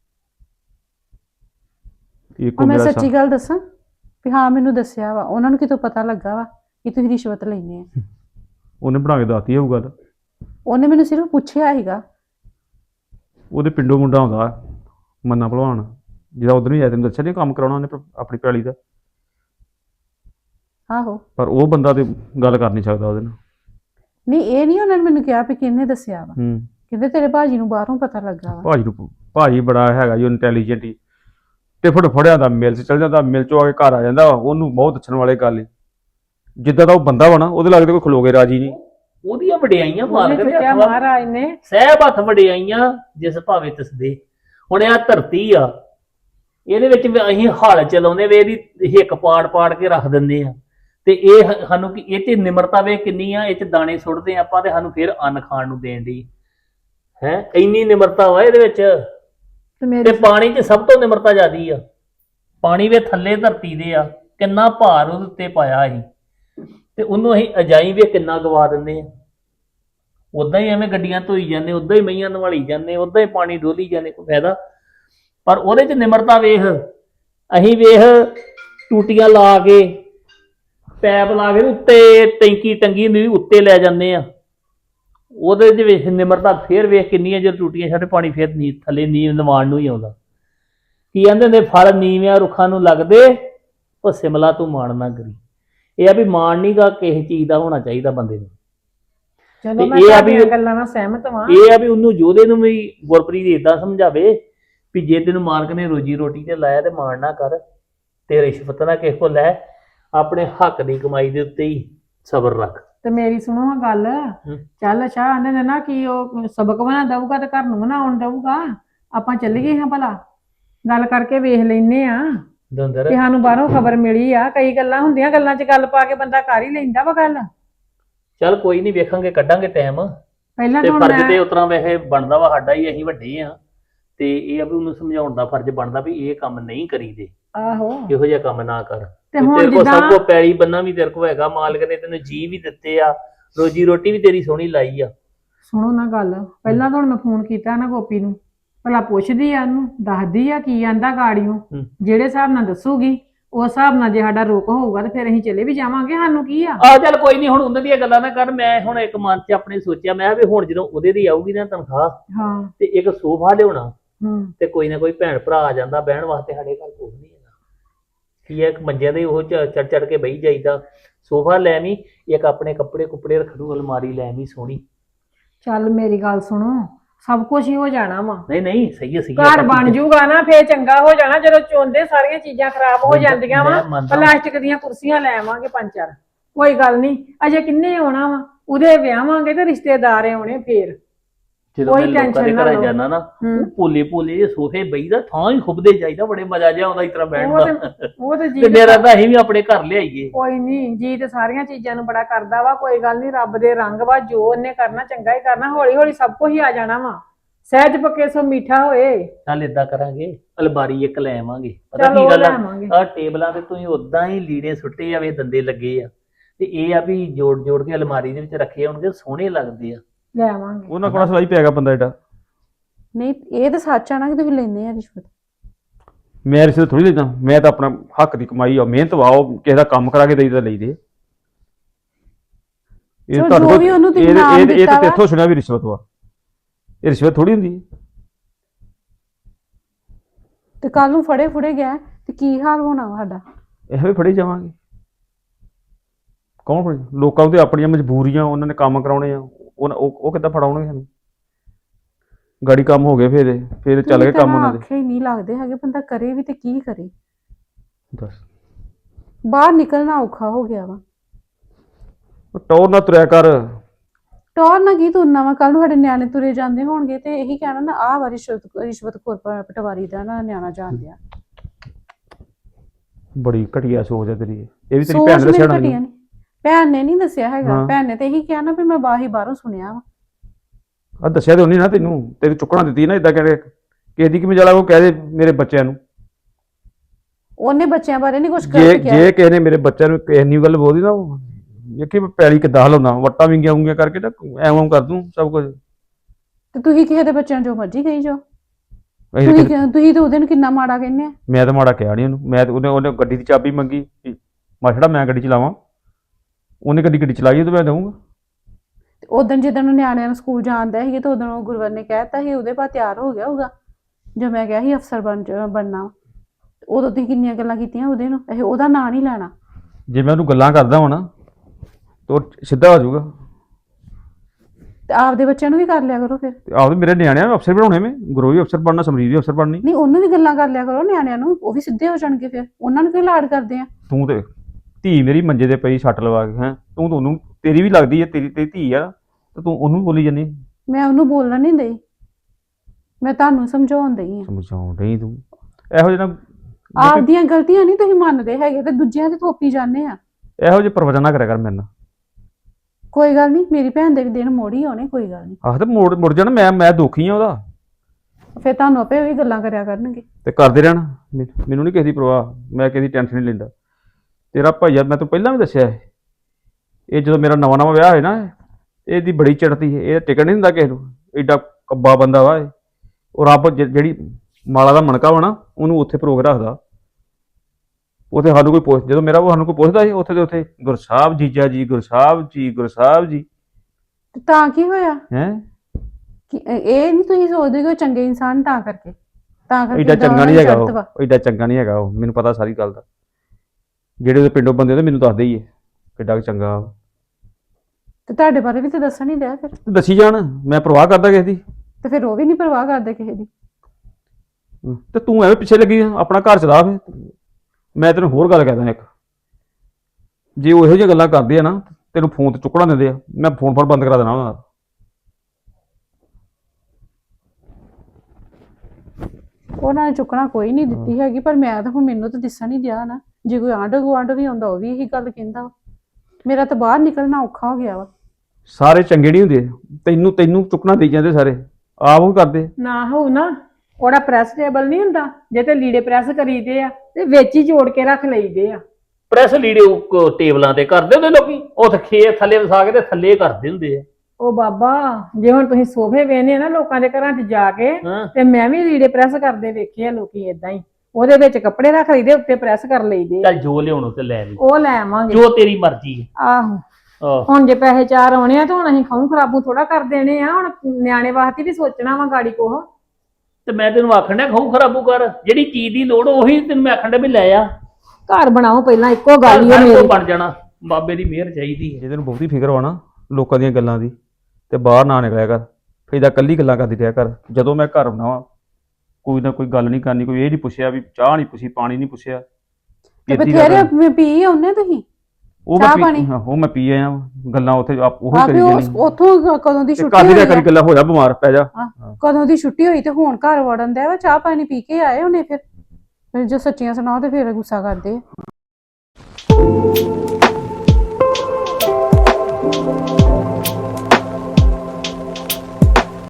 ਇੱਕ ਹੁਣ ਮੈਂ ਮੇਰਾ ਸੱਚੀ ਗੱਲ ਦੱਸਾਂ ਵੀ ਹਾਂ ਮੈਨੂੰ ਦੱਸਿਆ ਵਾ, ਉਹਨਾਂ ਨੂੰ ਕਿਤੋਂ ਪਤਾ ਲੱਗਾ ਵਾ ਕਿ ਤੁਸੀਂ ਰਿਸ਼ਵਤ ਲੈਂਦੇ ਆ। ਉਹਨੇ ਬਣਾ ਕੇ ਦੱਸਤੀ ਹੋਊ ਗੱਲ। ਉਹਨੇ ਮੈਨੂੰ ਸਿਰਫ ਪੁੱਛਿਆ ਸੀਗਾ। ਉਹਦੇ ਪਿੰਡੋਂ ਮੁੰਡਾ ਆਉਂਦਾ ਮੰਨਾ ਭਲਵਾਨ, ਜਿਹਦਾ ਉਧਰ ਨਹੀਂ ਆਇਆ, ਤੈਨੂੰ ਦੱਸਿਆ ਨਹੀਂ ਕੰਮ ਕਰਾਉਣਾ ਉਹਨੇ ਪ- ਆਪਣੀ ਪੈਲੀ ਦਾ। ਆਹੋ ਪਰ ਉਹ ਬੰਦਾ ਤੇ ਗੱਲ ਕਰ ਨਹੀਂ ਸਕਦਾ ਉਹਦੇ ਨਾਲ। ਨਹੀਂ, ਇਹ ਨਹੀਂ ਉਹਨਾਂ ਨੇ ਮੈਨੂੰ ਕਿਹਾ ਵੀ ਕਿਹਨੇ ਦੱਸਿਆ ਵਾ। ਹੂੰ, ਕਹਿੰਦੇ ਤੇਰੇ ਭਾਜੀ ਨੂੰ ਬਾਹਰੋਂ ਪਤਾ ਲੱਗਾ ਵਾ। ਭਾਜੀ ਨੂੰ ਭਾਜੀ ਬੜਾ ਹੈਗਾ ਜੀ, ਇੰਟੈਲੀਜੈਂਟ ਹੀ। ਟਿਫੜ ਫੜਿਆ ਦਾ ਮਿਲ 'ਚ ਚੱਲ ਜਾਂਦਾ, ਮਿਲ 'ਚੋਂ ਆ ਕੇ ਘਰ ਆ ਜਾਂਦਾ। ਉਹਨੂੰ ਬਹੁਤ ਅੱਛਣ ਵਾਲੇ ਗੱਲ ਈ। ਜਿੱਦਾਂ ਦਾ ਉਹ ਬੰਦਾ ਵਾ ਨਾ, ਉਹਦੇ ਲੱਗਦੇ ਕੋਈ ਖਲੋ ਕੇ ਰਾਜੀ ਨਹੀਂ। ਉਹਦੀਆਂ ਵਡਿਆਈਆਂ ਮਾਲਕ ਦੇ ਚੁੱਕਿਆ ਹੱਥ ਵਾ। ਮਹਾਰਾਜ ਨੇ। ਸਹਿਬ ਹੱਥ ਵਡਿਆਈਆਂ ਜਿਸ ਭਾਵੇਂ ਤਸਦੇ। ਹੁਣ ਇਹ ਧਰਤੀ ਆ, ਇਹਦੇ ਵਿੱਚ ਵੀ ਅਸੀਂ ਹਲ ਚਲਾਉਂਦੇ ਵੇ, ਇਹਦੀ ਹਿੱਕ ਪਾੜ ਪਾੜ ਕੇ ਰੱਖ ਦਿੰਦੇ ਆ। ਤੇ ਇਹ ਹ- ਸਾਨੂੰ ਕੀ ਇਹ 'ਚ ਨਿਮਰਤਾ ਵੇ ਕਿੰਨੀ ਆ, ਇਹ 'ਚ ਦਾਣੇ ਸੁੱਟਦੇ ਆ ਆਪਾਂ ਤੇ ਸਾਨੂੰ ਫਿਰ ਅੰਨ ਖਾਣ ਨੂੰ ਦੇਣ ਦੀ ਹੈ। ਇੰਨੀ ਨਿਮਰਤਾ ਵਾ ਇਹਦੇ ਵਿੱਚ। ਤੇ ਤੇ ਮੇਰੀ ਪਾਣੀ 'ਚ ਸਭ ਤੋਂ ਨਿਮਰਤਾ ਜ਼ਿਆਦੀ ਆ। ਪਾਣੀ ਵੇ ਥੱਲੇ ਧਰਤੀ ਦੇ ਆ, ਕਿੰਨਾ ਭਾਰ ਉਹਦੇ ਉੱਤੇ ਪਾਇਆ ਅਸੀਂ, ਤੇ ਉਹਨੂੰ ਅਸੀਂ ਅਜਾਈ ਵੀ ਕਿੰਨਾ ਗਵਾ ਦਿੰਦੇ ਆ। ਉਦਾਂ ਹੀ ਐਵੇਂ ਗੱਡੀਆਂ ਧੋਈ ਜਾਂਦੇ, ਉਦਾਂ ਹੀ ਮਈਆਂ ਨਵਾਲੀ ਜਾਂਦੇ, ਉਦਾਂ ਹੀ ਪਾਣੀ ਡੋਲੀ ਜਾਂਦੇ, ਕੋਈ ਫਾਇਦਾ। ਪਰ ਉਹਦੇ 'ਚ ਨਿਮਰਤਾ ਵੇਖ। ਅਸੀਂ ਵੇਖ ਟੂਟੀਆਂ ਲਾ ਕੇ, ਪੈਪ ਲਾ ਕੇ ਉੱਤੇ ਟੈਂਕੀ ਟੰਗੀ ਹੁੰਦੀ ਉੱਤੇ ਲੈ ਜਾਂਦੇ ਆ। ਉਹਦੇ 'ਚ ਵੇਖ ਨਿਮਰਤਾ ਫੇਰ ਵੇਖ ਕਿੰਨੀ ਆ। ਜਦੋਂ ਟੂਟੀਆਂ ਛੱਡ ਪਾਣੀ ਫੇਰ ਨੀ ਥੱਲੇ ਨੀਂਵ ਨਿਵਾਣ ਨੂੰ ਹੀ ਆਉਂਦਾ। ਕੀ ਕਹਿੰਦੇ ਨੇ, ਫਲ ਨੀਵਿਆਂ ਰੁੱਖਾਂ ਨੂੰ ਲੱਗਦੇ, ਉਹ ਸਿਮਲਾ ਤੂੰ ਮਾਣ ਨਾ ਕਰੀ। ਇਹ ਆ ਵੀ ਮਾਣ ਨਹੀਂ ਗਾ ਕਿਸੇ ਚੀਜ਼ ਦਾ ਹੋਣਾ ਚਾਹੀਦਾ ਬੰਦੇ ਨੂੰ। ਚਲੋ ਤੇ ਮੈਂ ਇਹ ਆ ਵੀ ਤੁਹਾਡੀਆਂ ਗੱਲਾਂ ਨਾਲ ਸਹਿਮਤ ਹਾਂ। ਇਹ ਆ ਵੀ ਉਹਨੂੰ ਜੋਦੇ ਨੂੰ ਵੀ ਗੁਰਪ੍ਰੀਤ ਏਦਾਂ ਸਮਝਾਵੇ ਵੀ ਜੇ ਤੈਨੂੰ ਮਾਲਕ ਨੇ ਰੋਜੀ ਰੋਟੀ ਤੇ ਲਾਇਆ ਤੇ ਮਾਣ ਨਾ ਕਰ, ਤੇ ਰਿਸ਼ਵਤ ਨਾ ਕਿਸੇ ਕੋਲ ਲੈ, ਆਪਣੇ ਹੱਕ ਦੀ ਕਮਾਈ ਦੇ ਉੱਤੇ ਹੀ ਸਬਰ ਰੱਖ। ਤੇ ਮੇਰੀ ਸੁਣੋ ਹਾਂ ਗੱਲ, ਚੱਲ ਅੱਛਾ ਆਂਦੇ ਨੇ ਨਾ ਕਿ ਉਹ ਸਬਕ ਬਣਾ ਦਊਗਾ ਤੇ ਘਰ ਨੂੰ ਬਣਾਉਣ ਦਊਗਾ, ਆਪਾਂ ਚੱਲੀਏ ਹਾਂ ਭਲਾ ਗੱਲ ਕਰਕੇ ਵੇਖ ਲੈਨੇ ਆ ਦੰਦਰ ਕਿ ਸਾਨੂੰ ਬਾਹਰੋਂ ਖਬਰ ਮਿਲੀ ਆ। ਕਈ ਗੱਲਾਂ ਹੁੰਦੀਆਂ, ਗੱਲਾਂ 'ਚ ਗੱਲ ਪਾ ਕੇ ਬੰਦਾ ਕਰ ਹੀ ਲੈਂਦਾ ਵਾ ਗੱਲ। ਚੱਲ ਕੋਈ ਨਹੀਂ, ਵੇਖਾਂਗੇ, ਕੱਢਾਂਗੇ ਟਾਈਮ। ਪਹਿਲਾਂ ਤੇ ਤਾਂ ਹੁਣ ਫਰਜ਼ ਤੇ ਮੈਂ ਉਤਰਾ ਵੈਸੇ ਬਣਦਾ ਵਾ ਸਾਡਾ ਹੀ, ਅਸੀਂ ਵੱਡੇ ਆ, ਤੇ ਇਹ ਆ ਵੀ ਉਹਨੂੰ ਸਮਝਾਉਣ ਦਾ ਫਰਜ਼ ਬਣਦਾ ਵੀ ਇਹ ਕੰਮ ਨਹੀਂ ਕਰੀਦੇ, ਆਹੋ ਇਹੋ ਜਿਹਾ ਕੰਮ ਨਾ ਕਰ। ਤੇ ਹੁਣ ਤੇਰੇ ਕੋਲ ਜਿੱਦਾਂ ਸਭ ਕੋ ਪੈਲੀ ਬੰਨਾ ਵੀ ਤੇਰੇ ਕੋਲ ਹੈਗਾ, ਮਾਲਕ ਨੇ ਤੈਨੂੰ ਜੀ ਵੀ ਦਿੱਤੇ ਆ, ਰੋਜੀ ਰੋਟੀ ਵੀ ਤੇਰੀ ਸੋਹਣੀ ਲਾਈ ਆ। ਸੁਣੋ ਨਾ ਗੱਲ, ਪਹਿਲਾਂ ਤਾਂ ਹੁਣ ਮੈਂ ਫੋਨ ਕੀਤਾ ਨਾ ਗੋਪੀ ਨੂੰ, ਭਲਾ ਪੁੱਛਦੀ ਆ ਉਹਨੂੰ, ਦੱਸਦੀ ਆ ਕੀ ਆਂਦਾ ਗਾੜੀਓ, ਹੂੰ। ਜਿਹੜੇ ਹਿਸਾਬ ਨਾਲ ਦੱਸੂਗੀ ਉਸ ਹਿਸਾਬ ਨਾਲ ਜੇ ਸਾਡਾ ਰੋਕ ਹੋਊਗਾ ਤੇ ਫਿਰ ਅਸੀਂ ਚਲੇ ਵੀ ਜਾਵਾਂਗੇ, ਸਾਨੂੰ ਕੀ ਆ। ਆ ਚੱਲ ਕੋਈ ਨਹੀਂ, ਹੁਣ ਉਹਨਾਂ ਦੀਆਂ ਗੱਲਾਂ ਨਾ ਕਰ। ਮੈਂ ਹੁਣ ਇੱਕ ਮਨ 'ਚ ਆਪਣੇ ਸੋਚਿਆ, ਮੈਂ ਕਿਹਾ ਵੀ ਹੁਣ ਜਦੋਂ ਉਹਦੇ ਦੀ ਆਊਗੀ ਨਾ ਤਨਖਾਹ, ਹਾਂ ਤੇ ਇੱਕ ਸੋਫਾ ਲਿਆਉਣਾ, ਹੂੰ ਤੇ ਕੋਈ ਨਾ ਕੋਈ ਭੈਣ ਭਰਾ ਆ ਜਾਂਦਾ ਬਹਿਣ ਵਾਸਤੇ, ਸਾਡੇ ਘਰ ਕੋਈ ਨਹੀਂ ਹੈਗਾ। ਕੀ ਹੈ, ਇੱਕ ਮੰਜਿਆਂ ਦੇ ਉਹ ਚੜ ਚੜ ਕੇ ਬਹਿ ਜਾਈਦਾ। ਸੋਫਾ ਲੈ ਆਵੀਂ, ਇੱਕ ਆਪਣੇ ਕੱਪੜੇ ਕੁੱਪੜੇ ਰੱਖ ਲੂ, ਅਲਮਾਰੀ ਲੈ ਆਵੀਂ ਸੋਹਣੀ। ਚੱਲ ਮੇਰੀ ਗੱਲ ਸੁਣੋ, ਸਭ ਕੁਝ ਹੀ ਹੋ ਜਾਣਾ ਵਾ, ਨਹੀਂ ਨਹੀਂ, ਸਹੀ ਹੈ, ਸਹੀ ਹੈ। ਘਰ ਬਣ ਜੂਗਾ ਨਾ ਫੇਰ ਚੰਗਾ ਹੋ ਜਾਣਾ। ਜਦੋਂ ਚੋਂਦੇ ਸਾਰੀਆਂ ਚੀਜ਼ਾਂ ਖਰਾਬ ਹੋ ਮੈਂ- ਜਾਂਦੀਆਂ ਵਾ, ਮੈਂ ਮੰਨਦਾ। ਪਲਾਸਟਿਕ ਦੀਆਂ ਕੁਰਸੀਆਂ ਲੈ ਆਵਾਂਗੇ ਪੰਜ ਚਾਰ, ਕੋਈ ਗੱਲ ਨਹੀਂ। ਅਜੇ ਕਿੰਨੇ ਆਉਣਾ ਵਾ, ਉਹਦੇ ਵਿਆਹਾਂਗੇ ਤੇ ਰਿਸ਼ਤੇਦਾਰ ਆਉਣੇ ਫੇਰ। ਜਦੋਂ ਕੋਈ ਮੈਂ ਲੋਕਾਂ ਦੇ tension ਨਾ ਘਰਾਂ ਲਓ। ਜਾਣਾ ਨਾ, ਹੂੰ। ਉਹ ਪੋਲੇ ਪੋਲੇ ਜਿਹੇ ਸੋਫੇ ਬਈਦਾ, ਥਾਂ ਹੀ ਖੁੱਬਦੇ ਜਾਈਦਾ, ਬੜੇ ਮਜ਼ਾ ਜਿਹਾ ਆਉਂਦਾ ਇਸ ਤਰ੍ਹਾਂ ਬਹਿਣ ਉਹ ਤੇ ਦਾ। ਉਹ ਤੇ ਜੀ ਤੇ ਮੇਰਾ ਤਾਂ ਅਸੀਂ ਵੀ ਆਪਣੇ ਘਰ ਲਿਆਈਏ। ਕੋਈ ਨਹੀਂ, ਜੀ ਤੇ ਸਾਰੀਆਂ ਚੀਜ਼ਾਂ ਨੂੰ ਬੜਾ ਕਰਦਾ ਵਾ, ਕੋਈ ਗੱਲ ਨਹੀਂ, ਰੱਬ ਦੇ ਰੰਗ ਵਾ, ਜੋ ਉਹਨੇ ਕਰਨਾ ਚੰਗਾ ਹੀ ਕਰਨਾ, ਹੌਲੀ ਹੌਲੀ ਸਭ ਕੁਝ ਹੀ ਆ ਜਾਣਾ ਵਾ। ਸਹਿਜ ਪੱਕੇ ਸੋ ਮਿੱਠਾ ਹੋਏ। ਚੱਲ ਏਦਾਂ ਕਰਾਂਗੇ, ਅਲਮਾਰੀ ਇੱਕ ਲੈ ਆਵਾਂਗੇ। ਪਤਾ ਚੱਲ ਕੀ ਉਹ ਗੱਲ ਲੈ ਆ, ਆਵਾਂਗੇ। ਆਹ ਟੇਬਲਾਂ ਤੇ ਤੁਸੀਂ ਉਦਾਂ ਹੀ ਲੀੜੇ ਸੁੱਟੇ ਆਵੇ, ਦੰਦੇ ਲੱਗੇ ਆ, ਤੇ ਇਹ ਆ ਵੀ ਜੋੜ ਜੋੜ ਕੇ ਅਲਮਾਰੀ ਦੇ ਵਿੱਚ ਰੱਖੇ ਹੋਣਗੇ, ਸੋਹਣੇ ਲੱਗਦੇ ਆ। ਲੈ ਆਵਾਂਗੇ। ਉਹਨਾਂ ਕੋਲ ਸਲਾਈ ਪਿਆਗਾ ਬੰਦਾ ਏਡਾ। ਨਹੀਂ ਇਹ ਤਾਂ ਸੱਚ ਆ ਨਾ ਕਿ ਤੁਸੀਂ ਲੈਂਦੇ ਆ ਰਿਸ਼ਵਤ। ਮੈਂ ਰਿਸ਼ਵਤ ਥੋੜੀ ਲੈਂਦਾ, ਮੈਂ ਤਾਂ ਆਪਣਾ ਹੱਕ ਦੀ ਕਮਾਈ ਆ, ਮਿਹਨਤ ਵਾ, ਉਹ ਕਿਸੇ ਦਾ ਕੰਮ ਕਰਾ ਕੇ ਦੇਈ ਤਾਂ ਲਈਦੇ। ਇਹ ਚਲੋ ਤੁਹਾਡੇ ਜੋ ਕੋਲ ਵੀ ਉਹਨੂੰ ਤੁਸੀਂ ਇਹ ਨਾਮ ਇਹ ਦਿੱਤਾ ਤਾਂ ਵਾ। ਇੱਥੋਂ ਸੁਣਿਆ ਵੀ ਰਿਸ਼ਵਤ ਵਾ, ਇਹ ਰਿਸ਼ਵਤ ਥੋੜੀ ਹੁੰਦੀ ਹੈ। ਤੇ ਕੱਲ ਨੂੰ ਫੜੇ ਫੁੜੇ ਗਿਆ ਤੇ ਕੀ ਹਾਲ ਹੋਣਾ ਵਾ ਸਾਡਾ? ਇਹੋ ਹੀ ਫੜੇ ਜਾਵਾਂਗੇ। ਕੌਣ ਫੜੇ? ਲੋਕਾਂ ਦੇ ਆਪਣੀਆਂ ਮਜਬੂਰੀਆਂ, ਉਹਨਾਂ ਨੇ ਕੰਮ ਕਰਾਉਣੇ ਆ, ਉਹ ਉਹ ਉਹ ਕਿੱਦਾਂ ਫੜਾਉਣਗੇ ਸਾਨੂੰ? ਗਾੜੀ ਕੰਮ ਹੋ ਗਏ, ਫਿਰ ਫਿਰ ਚੱਲ ਗਏ ਕੰਮ ਉਹਨਾਂ ਦੇ। ਆਖੇ ਹੀ ਨਹੀਂ ਲੱਗਦੇ ਹੈਗੇ, ਬੰਦਾ ਕਰੇ ਵੀ ਤੇ ਕੀ ਕਰੇ? ਦੱਸ, ਬਾਹਰ ਨਿਕਲਣਾ ਔਖਾ ਹੋ ਗਿਆ ਵਾ। ਉਹ ਟੌਰ ਨਾ ਤੁਰਿਆ ਕਰ। ਟੌਰ ਨਾ ਕੀ ਤੁਰਨਾ ਵਾ, ਕੱਲ ਨੂੰ ਸਾਡੇ ਨਿਆਣੇ ਤੁਰੇ ਜਾਂਦੇ ਹੋਣਗੇ ਤੇ ਇਹੀ ਕਹਿਣਾ ਨਾ, ਆਹ ਵਾ ਰਿਸ਼ਵਤ ਰਿਸ਼ਵਤ ਖੋਰ ਪ- ਪਟਵਾਰੀ ਦਾ ਨਾ ਨਿਆਣਾ ਜਾਂਦੇ ਆ। ਬੜੀ ਘਟੀਆ ਸੋਚ ਹੈ ਤੇਰੀ। ਇਹ ਵੀ ਤੇਰੀ ਸੋਚ ਭੈਣ ਨੇ ਮੇਰੀ ਦੱਸਿਆ ਹੋਣਾ ਘਟੀਆ ਨਹੀਂ। ਨੀ। ਭੈਣ ਨੇ ਨਹੀਂ ਦੱਸਿਆ ਹੈਗਾ, ਹਾਂ। ਭੈਣ ਨੇ ਤੇ ਇਹੀ ਕਿਹਾ ਨਾ ਵੀ ਮੈਂ ਬਾਹੀ ਬਾਹਰੋਂ ਸੁਣਿਆ ਵਾ। ਆ ਦੱਸਿਆ ਤੇ ਉਹਨੇ ਨਾ ਤੈਨੂੰ, ਤੇਰੀ ਚੁੱਕਣਾ ਦਿੱਤੀ ਨਾ, ਇਦਾਂ ਕਹਿੰਦੇ ਕਿਸੇ ਦੀ ਕਿਵੇਂ ਜਾਲਾ ਉਹ ਕਹਿ ਦੇ ਮੇਰੇ ਬੱਚਿਆਂ ਨੂੰ। ਉਹਨੇ ਬੱਚਿਆਂ ਬਾਰੇ ਨਹੀਂ ਕੁਝ ਜੇ ਕਰ ਕਿਹਾ। ਜੇ ਕਿਸੇ ਨੇ ਮੇਰੇ ਬੱਚਿਆਂ ਨੂੰ ਕਿਸੇ ਨੀ ਗੱਲ ਬੋਲਦੀ ਨਾ, ਉਹ ਵੇਖੀ ਮੈਂ ਪੈਲੀ ਕਿੱਦਾਂ ਹਲਾਉਣਾ, ਵੱਟਾਂ ਵਿੰਗੀਆਂ ਉਂਗੀਆਂ ਕਰਕੇ ਨਾ ਐਵੇਂ ਕਰ ਦੂੰ ਸਭ ਕੁਝ। ਤੇ ਤੁਸੀਂ ਕਿਸੇ ਦੇ ਬੱਚਿਆਂ ਨੂੰ ਜੋ ਮਰਜ਼ੀ ਕਹੀ ਜਾਓ। ਅਸੀਂ ਤੁਸੀਂ ਤਾਂ- ਕਿਹਾ- ਤੁਸੀਂ ਤੇ ਉਹਦੇ ਨੂੰ ਕਿੰਨਾ ਮਾੜਾ ਕਹਿੰਦੇ ਆ। ਮੈਂ ਤਾਂ ਮਾੜਾ ਕਿਹਾ ਨਹੀਂ ਉਹਨੂੰ। ਮੈਂ ਤਾਂ ਉਹਨੇ ਉਹਨੇ ਗੱਡੀ ਦੀ ਚਾਬੀ ਮੰਗੀ, ਮਾਛੜਾ ਮੈਂ ਗੱਡੀ ਚਲਾਵਾਂ, ਉਹਨੇ ਗੱਡੀ ਗੱਡੀ ਚਲਾਈ ਤੇ ਮੈਂ ਦਊਂਗਾ। ਉਦੋਂ ਜਦੋਂ ਨਿਆਣਿਆਂ ਨੂੰ ਸਕੂਲ ਜਾਣਦਾ ਸੀ ਤੇ ਉਦੋਂ ਗੁਰਵਰ ਨੇ ਕਹਿਤਾ ਸੀ ਉਹਦੇ ਬਾਅਦ ਤਿਆਰ ਹੋ ਗਿਆ ਹੋਊਗਾ, ਜੋ ਮੈਂ ਕਿਹਾ ਸੀ ਅਫਸਰ ਬਣ ਜਾ- ਬਣਨਾ ਵਾ। ਉਦੋਂ ਤੁਸੀਂ ਕਿੰਨੀਆਂ ਗੱਲਾਂ ਕੀਤੀਆਂ ਉਹਦੇ ਨੂੰ, ਇਹ ਉਹਦਾ ਨਾਂ ਨਹੀਂ ਲੈਣਾ। ਜੇ ਮੈਂ ਉਹਨੂੰ ਗੱਲਾਂ ਕਰਦਾ ਹਾਂ ਨਾ ਤਾਂ ਉਹ ਸਿੱਧਾ ਹੋ ਜਾਊਗਾ। ਤੇ ਆਪਦੇ ਬੱਚਿਆਂ ਨੂੰ ਵੀ ਕਰ ਲਿਆ ਕਰੋ ਫਿਰ। ਤੇ ਆਪਦੇ ਮੇਰੇ ਨਿਆਣਿਆਂ ਨੂੰ ਅਫਸਰ ਬਣਾਉਣੇ, ਮੈਂ ਗੁਰੂ ਵੀ ਅਫਸਰ ਬਣਨਾ, ਸਮਰੀਤ ਵੀ ਅਫਸਰ ਬਣਨੀ। ਨਹੀਂ ਉਹਨੂੰ ਵੀ ਗੱਲਾਂ ਕਰ ਲਿਆ ਕਰੋ ਨਿਆਣਿਆਂ ਨੂੰ, ਉਹ ਵੀ ਸਿੱਧੇ ਹੋ ਜਾਣਗੇ ਫਿਰ। ਉਹਨਾਂ ਨੂੰ ਕਿਉਂ ਲਾਡ ਕਰਦੇ ਆ? ਤੂੰ ਤੇ ਧੀ ਮੇਰੀ ਮੰਜੇ ਤੇ ਪਈ ਛੱਟ ਲਵਾ ਕੇ, ਹੈਂ ਤੂੰ ਤਾਂ ਉਹਨੂੰ, ਤੇਰੀ ਵੀ ਲੱਗਦੀ ਹੈ, ਤੇਰੀ ਤੇਰੀ ਧੀ ਆ, ਤੇ ਤੂੰ ਉਹਨੂੰ ਬੋਲੀ ਜਾਂਦੀ। ਮੈਂ ਉਹਨੂੰ ਬੋਲਣ ਨਹੀਂ ਦਈ, ਮੈਂ ਤੁਹਾਨੂੰ ਸਮਝਾਉਣ ਦਈ ਆ। ਸਮਝਾਉਣ ਡਈ ਤੂੰ ਇਹੋ ਜਿਹੇ ਨਾ, ਆਪਦੀਆਂ ਗਲਤੀਆਂ ਨਹੀਂ ਤੁਸੀਂ ਮੰਨਦੇ ਹੈਗੇ ਤੇ ਦੂਜਿਆਂ ਤੇ ਥੋਪੀ ਜਾਂਦੇ ਆ। ਇਹੋ ਜਿਹੇ ਪ੍ਰਵਚਨ ਨਾ ਕਰਿਆ ਕਰ ਮੇਰੇ ਨਾਲ। ਕੋਈ ਗੱਲ ਨਹੀਂ, ਮੇਰੀ ਭੈਣ ਦੇ ਵੀ ਦਿਨ ਮੋੜ ਹੀ ਆਉਣੇ, ਕੋਈ ਗੱਲ ਨਹੀਂ। ਆਹ ਤੇ ਮੁੜ ਮੁੜ ਜਾਣਾ, ਮੈਂ ਮੈਂ ਦੁਖੀ ਆ ਉਹਦਾ। ਫਿਰ ਤੁਹਾਨੂੰ ਆਪੇ ਵੀ ਗੱਲਾਂ ਕਰਿਆ ਕਰਨਗੇ। ਤੇ ਕਰਦੇ ਰਹਿਣਾ, ਮੈਨ- ਮੈਨੂੰ ਨਹੀਂ ਕਿਸੇ ਦੀ ਪਰਵਾਹ, ਮੈਂ ਕਿਸੇ ਦੀ ਟੈਨਸ਼ਨ ਨਹੀਂ ਲੈਂਦਾ। ਤੇਰਾ ਭਾਈਆ ਮੈਂ ਤੈਨੂੰ ਪਹਿਲਾਂ ਵੀ ਦੱਸਿਆ ਹੈ, ਇਹ ਜਦੋਂ ਮੇਰਾ ਨਵਾਂ ਨਵਾਂ ਵਿਆਹ ਹੋਇਆ ਨਾ, ਇਹਦੀ ਬੜੀ ਚੜ੍ਹਤੀ ਹੈ, ਇਹ ਟਿਕਣ ਨਹੀਂ ਦਿੰਦਾ ਕਿਸੇ ਨੂੰ, ਐਡਾ ਕੱਬਾ ਬੰਦਾ ਵਾ ਇਹ। ਉਹ ਰੱਬ ਜ- ਜਿਹੜੀ ਮਾਲਾ ਦਾ ਮਣਕਾ ਵਾ ਨਾ, ਉਹਨੂੰ ਉੱਥੇ ਪਰੋਗ ਰੱਖਦਾ। ਉੱਥੇ ਸਾਨੂੰ ਕੋਈ ਪੁੱਛ, ਜਦੋਂ ਮੇਰਾ ਉਹ ਸਾਨੂੰ ਕੋਈ ਪੁੱਛਦਾ ਸੀ, ਉੱਥੇ ਦੇ ਉੱਥੇ ਗੁਰਸਾਹਿਬ ਜੀਜਾ ਜੀ, ਗੁਰਸਾਹਿਬ ਜੀ, ਗੁਰਸਾਹਿਬ ਜੀ, ਤੇ ਤਾਂ ਕੀ ਹੋਇਆ? ਹੈਂ ਕਿ ਇਹ ਨਹੀਂ ਤੁਸੀਂ ਸੋਚਦੇ ਕਿ ਉਹ ਚੰਗੇ ਇਨਸਾਨ ਤਾਂ ਕਰਕੇ ਤਾਂ ਕਰਕੇ ਐਡਾ ਏਦਾਂ ਚੰਗਾ ਉਹਨਾਂ ਨਹੀਂ ਦੀ ਹੈਗਾ ਸ਼ਰਤ ਉਹ, ਵਾ। ਐਡਾ ਚੰਗਾ ਨਹੀਂ ਹੈਗਾ ਉਹ, ਮੈਨੂੰ ਪਤਾ ਸਾਰੀ ਗੱਲ ਦਾ। ਜਿਹੜੇ ਉਹਦੇ ਪਿੰਡੋਂ ਬੰਦੇ ਉਹਦੇ ਮੈਨੂੰ ਦੱਸਦੇ ਹੀ ਹੈ ਕਿੱਡਾ ਕੁ ਚੰਗਾ ਉਹ। ਤੇ ਤੁਹਾਡੇ ਬਾਰੇ ਵੀ ਤੇ ਦੱਸਣ ਹੀ ਡਿਆ ਫਿਰ। ਤੇ ਦੱਸੀ ਜਾਣ, ਮੈਂ ਪਰਵਾਹ ਕਰਦਾ ਕਿਸੇ ਦੀ। ਤੇ ਫਿਰ ਉਹ ਵੀ ਨਹੀਂ ਪਰਵਾਹ ਕਰਦੇ ਕਿਸੇ ਦੀ। ਤੇ ਤੂੰ ਐਵੇਂ ਪਿੱਛੇ ਲੱਗੀ ਆ, ਆਪਣਾ ਘਰ ਚਲਾ ਫੇ। ਮੈਂ ਤੈਨੂੰ ਹੋਰ ਗੱਲ ਕਹਿਦਾ ਇੱਕ, ਜੇ ਉਹ ਇਹੋ ਜਿਹੀਆਂ ਗੱਲਾਂ ਕਰਦੇ ਆ ਨਾ, ਤੈਨੂੰ ਫੋਨ ਤੇ ਚੁੱਕਣਾ ਦਿੰਦੇ ਆ, ਮੈਂ ਫੋਨ ਫੜ ਬੰਦ ਕਰਾ ਦੇਣਾ ਉਹਨਾਂ ਦਾ। ਉਹਨਾਂ ਨੇ ਚੁੱਕਣਾ ਕੋਈ ਨਹੀਂ ਦਿੱਤੀ ਹੈਗੀ, ਪਰ ਮੈਂ ਤਾਂ ਹੁਣ ਮੈਨੂੰ ਤਾਂ ਦਿਸਣ ਨਹੀਂ ਦਿਆ ਨਾ। ਜੇ ਕੋਈ ਆਂਢ ਗੁਆਂਢ ਵੀ ਆਉਂਦਾ ਉਹ ਵੀ ਇਹੀ ਗੱਲ ਕਹਿੰਦਾ ਵਾ। ਮੇਰਾ ਤਾਂ ਬਾਹਰ ਨਿਕਲਣਾ ਔਖਾ ਹੋ ਗਿਆ ਵਾ। ਸਾਰੇ ਚੰਗੇ ਨਹੀਂ ਹੁੰਦੇ, ਤੈਨੂੰ ਤੈਨੂੰ ਚੁੱਕਣਾ ਦੇਈ ਜਾਂਦੇ ਸਾਰੇ, ਆਪ ਉਹ ਕਰਦੇ। ਨਾ ਹੋਊ ਨਾ, ਉਹਦਾ ਪ੍ਰੈਸ ਟੇਬਲ ਨਹੀਂ ਹੁੰਦਾ, ਜੇ ਤੇ ਲੀੜੇ ਪ੍ਰੈਸ ਕਰੀਦੇ ਆ ਤੇ ਵਿੱਚ ਹੀ ਜੋੜ ਕੇ ਰੱਖ ਲਈਦੇ ਆ। ਪ੍ਰੈਸ ਲੀੜੇ ਉਹ ਟੇਬਲਾਂ ਤੇ ਕਰਦੇ ਹੁੰਦੇ ਲੋਕੀ, ਉਹ ਖੇ ਥੱਲੇ ਵਸਾ ਕੇ ਤੇ ਥੱਲੇ ਕਰਦੇ ਹੁੰਦੇ ਆ। ਉਹ ਬਾਬਾ, ਜੇ ਹੁਣ ਤੁਸੀਂ ਸੋਫੇ ਵੇਖਦੇ ਆ ਨਾ ਲੋਕਾਂ ਦੇ ਘਰਾਂ 'ਚ ਜਾ ਕੇ, ਹਾਂ ਤੇ ਮੈਂ ਵੀ ਲੀੜੇ ਪ੍ਰੈਸ ਕਰਦੇ ਵੇਖੇ ਆ ਲੋਕੀ ਏਦਾਂ ਹੀ, ਉਹਦੇ ਵਿੱਚ ਕੱਪੜੇ ਰੱਖ ਲਈਦੇ, ਉੱਤੇ ਪ੍ਰੈਸ ਕਰ ਲਈਦੇ ਆ। ਚੱਲ ਜੋ ਲਿਆਉਣੋ ਤੇ ਲੈ ਲਈ, ਉਹ ਲੈ ਆਵਾਂਗੇ। ਜੋ ਤੇਰੀ ਮਰਜ਼ੀ ਹੈ। ਆਹੋ, ਆਹ ਹੁਣ ਜੇ ਪੈਸੇ ਚਾਰ ਆਉਣੇ ਆ ਤਾਂ ਹੁਣ ਅਸੀਂ ਖਾਉ ਖਰਾਬੂ ਥੋੜਾ ਕਰ ਦੇਣੇ ਆ। ਹੁਣ ਨਿਆਣੇ ਵਾਸਤੇ ਵੀ ਸੋਚਣਾ ਵਾ ਗਾੜੀ ਕੋਹ। ਤੇ ਮੈਂ ਤੈਨੂੰ ਆਖਣ ਡਿਆ ਖਾਉ ਖਰਾਬੂ ਕਰ, ਜਿਹੜੀ ਚੀਜ਼ ਦੀ ਲੋੜ ਉਹੀ ਤੈਨੂੰ ਮੈਂ ਆਖਣ ਡਿਆ ਵੀ ਲੈ ਆ। ਘਰ ਬਣਾਓ ਪਹਿਲਾਂ, ਇੱਕੋ ਗੱਲ ਹੀ ਆ ਘਰ ਮੇਰੀ। ਬਣ ਜਾਣਾ, ਬਾਬੇ ਦੀ ਮਿਹਰ ਚਾਹੀਦੀ ਹੈ। ਜੇ ਤੈਨੂੰ ਬਹੁਤੀ ਫਿਕਰ ਵਾ ਨਾ ਲੋਕਾਂ ਦੀਆਂ ਗੱਲਾਂ ਦੀ, ਤੇ ਬਾਹਰ ਨਾ ਨਿਕਲਿਆ ਕਰ, ਫਿਰ ਇਹਦਾ ਕੱਲੀ ਗੱਲਾਂ ਕਰਦੀ ਰਿਹਾ ਕਰ। ਜਦੋਂ ਮੈਂ ਘਰ ਬਣਾਵਾਂ, ਕੋਈ ਨਾ ਕੋਈ ਗੱਲ ਨਹੀਂ ਕਰਨੀ, ਕੋਈ ਇਹ ਨਹੀਂ ਪੁੱਛਿਆ ਵੀ ਚਾਹ ਨਹੀਂ ਪੁੱਛੀ, ਪਾਣੀ ਨਹੀਂ ਪੁੱਛਿਆ। ਤੇ ਏਦਾਂ ਹੀ ਬਥੇਰੇ ਕਰਦਾ। ਮੈਂ ਪੀ ਆਉਨੇ ਤੁਸੀਂ ਉਹ ਚਾਹ ਮੈਂ ਪਾਣੀ? ਪੀ, ਹਾਂ, ਉਹ ਮੈਂ ਪੀ ਆਇਆ ਵਾਂ। ਗੱਲਾਂ ਉੱਥੇ ਆਪ ਉਹੀ ਆਪੇ ਕਰੀ ਉਸ ਜਾਂਦੀ। ਉੱਥੋਂ ਕਦੋਂ ਦੀ ਤੇ ਛੁੱਟੀ ਕਰਦੀ ਹੋਈ ਰਿਹਾ ਆ? ਕਰੀ ਗੱਲਾਂ, ਹੋ ਜਾ ਬਿਮਾਰ, ਪੈ ਜਾ। ਹਾਂ, ਕਦੋਂ ਦੀ ਛੁੱਟੀ ਹੋਈ ਤੇ ਹੁਣ ਘਰ ਵੜਨ ਦਿਆ ਵਾ। ਚਾਹ ਪਾਣੀ ਪੀ ਕੇ ਆਏ ਉਹਨੇ ਫਿਰ ਫਿਰ ਜੋ ਸੱਚੀਆਂ ਸੁਣਾਓ ਤੇ ਫਿਰ ਗੁੱਸਾ ਕਰਦੇ ਆ।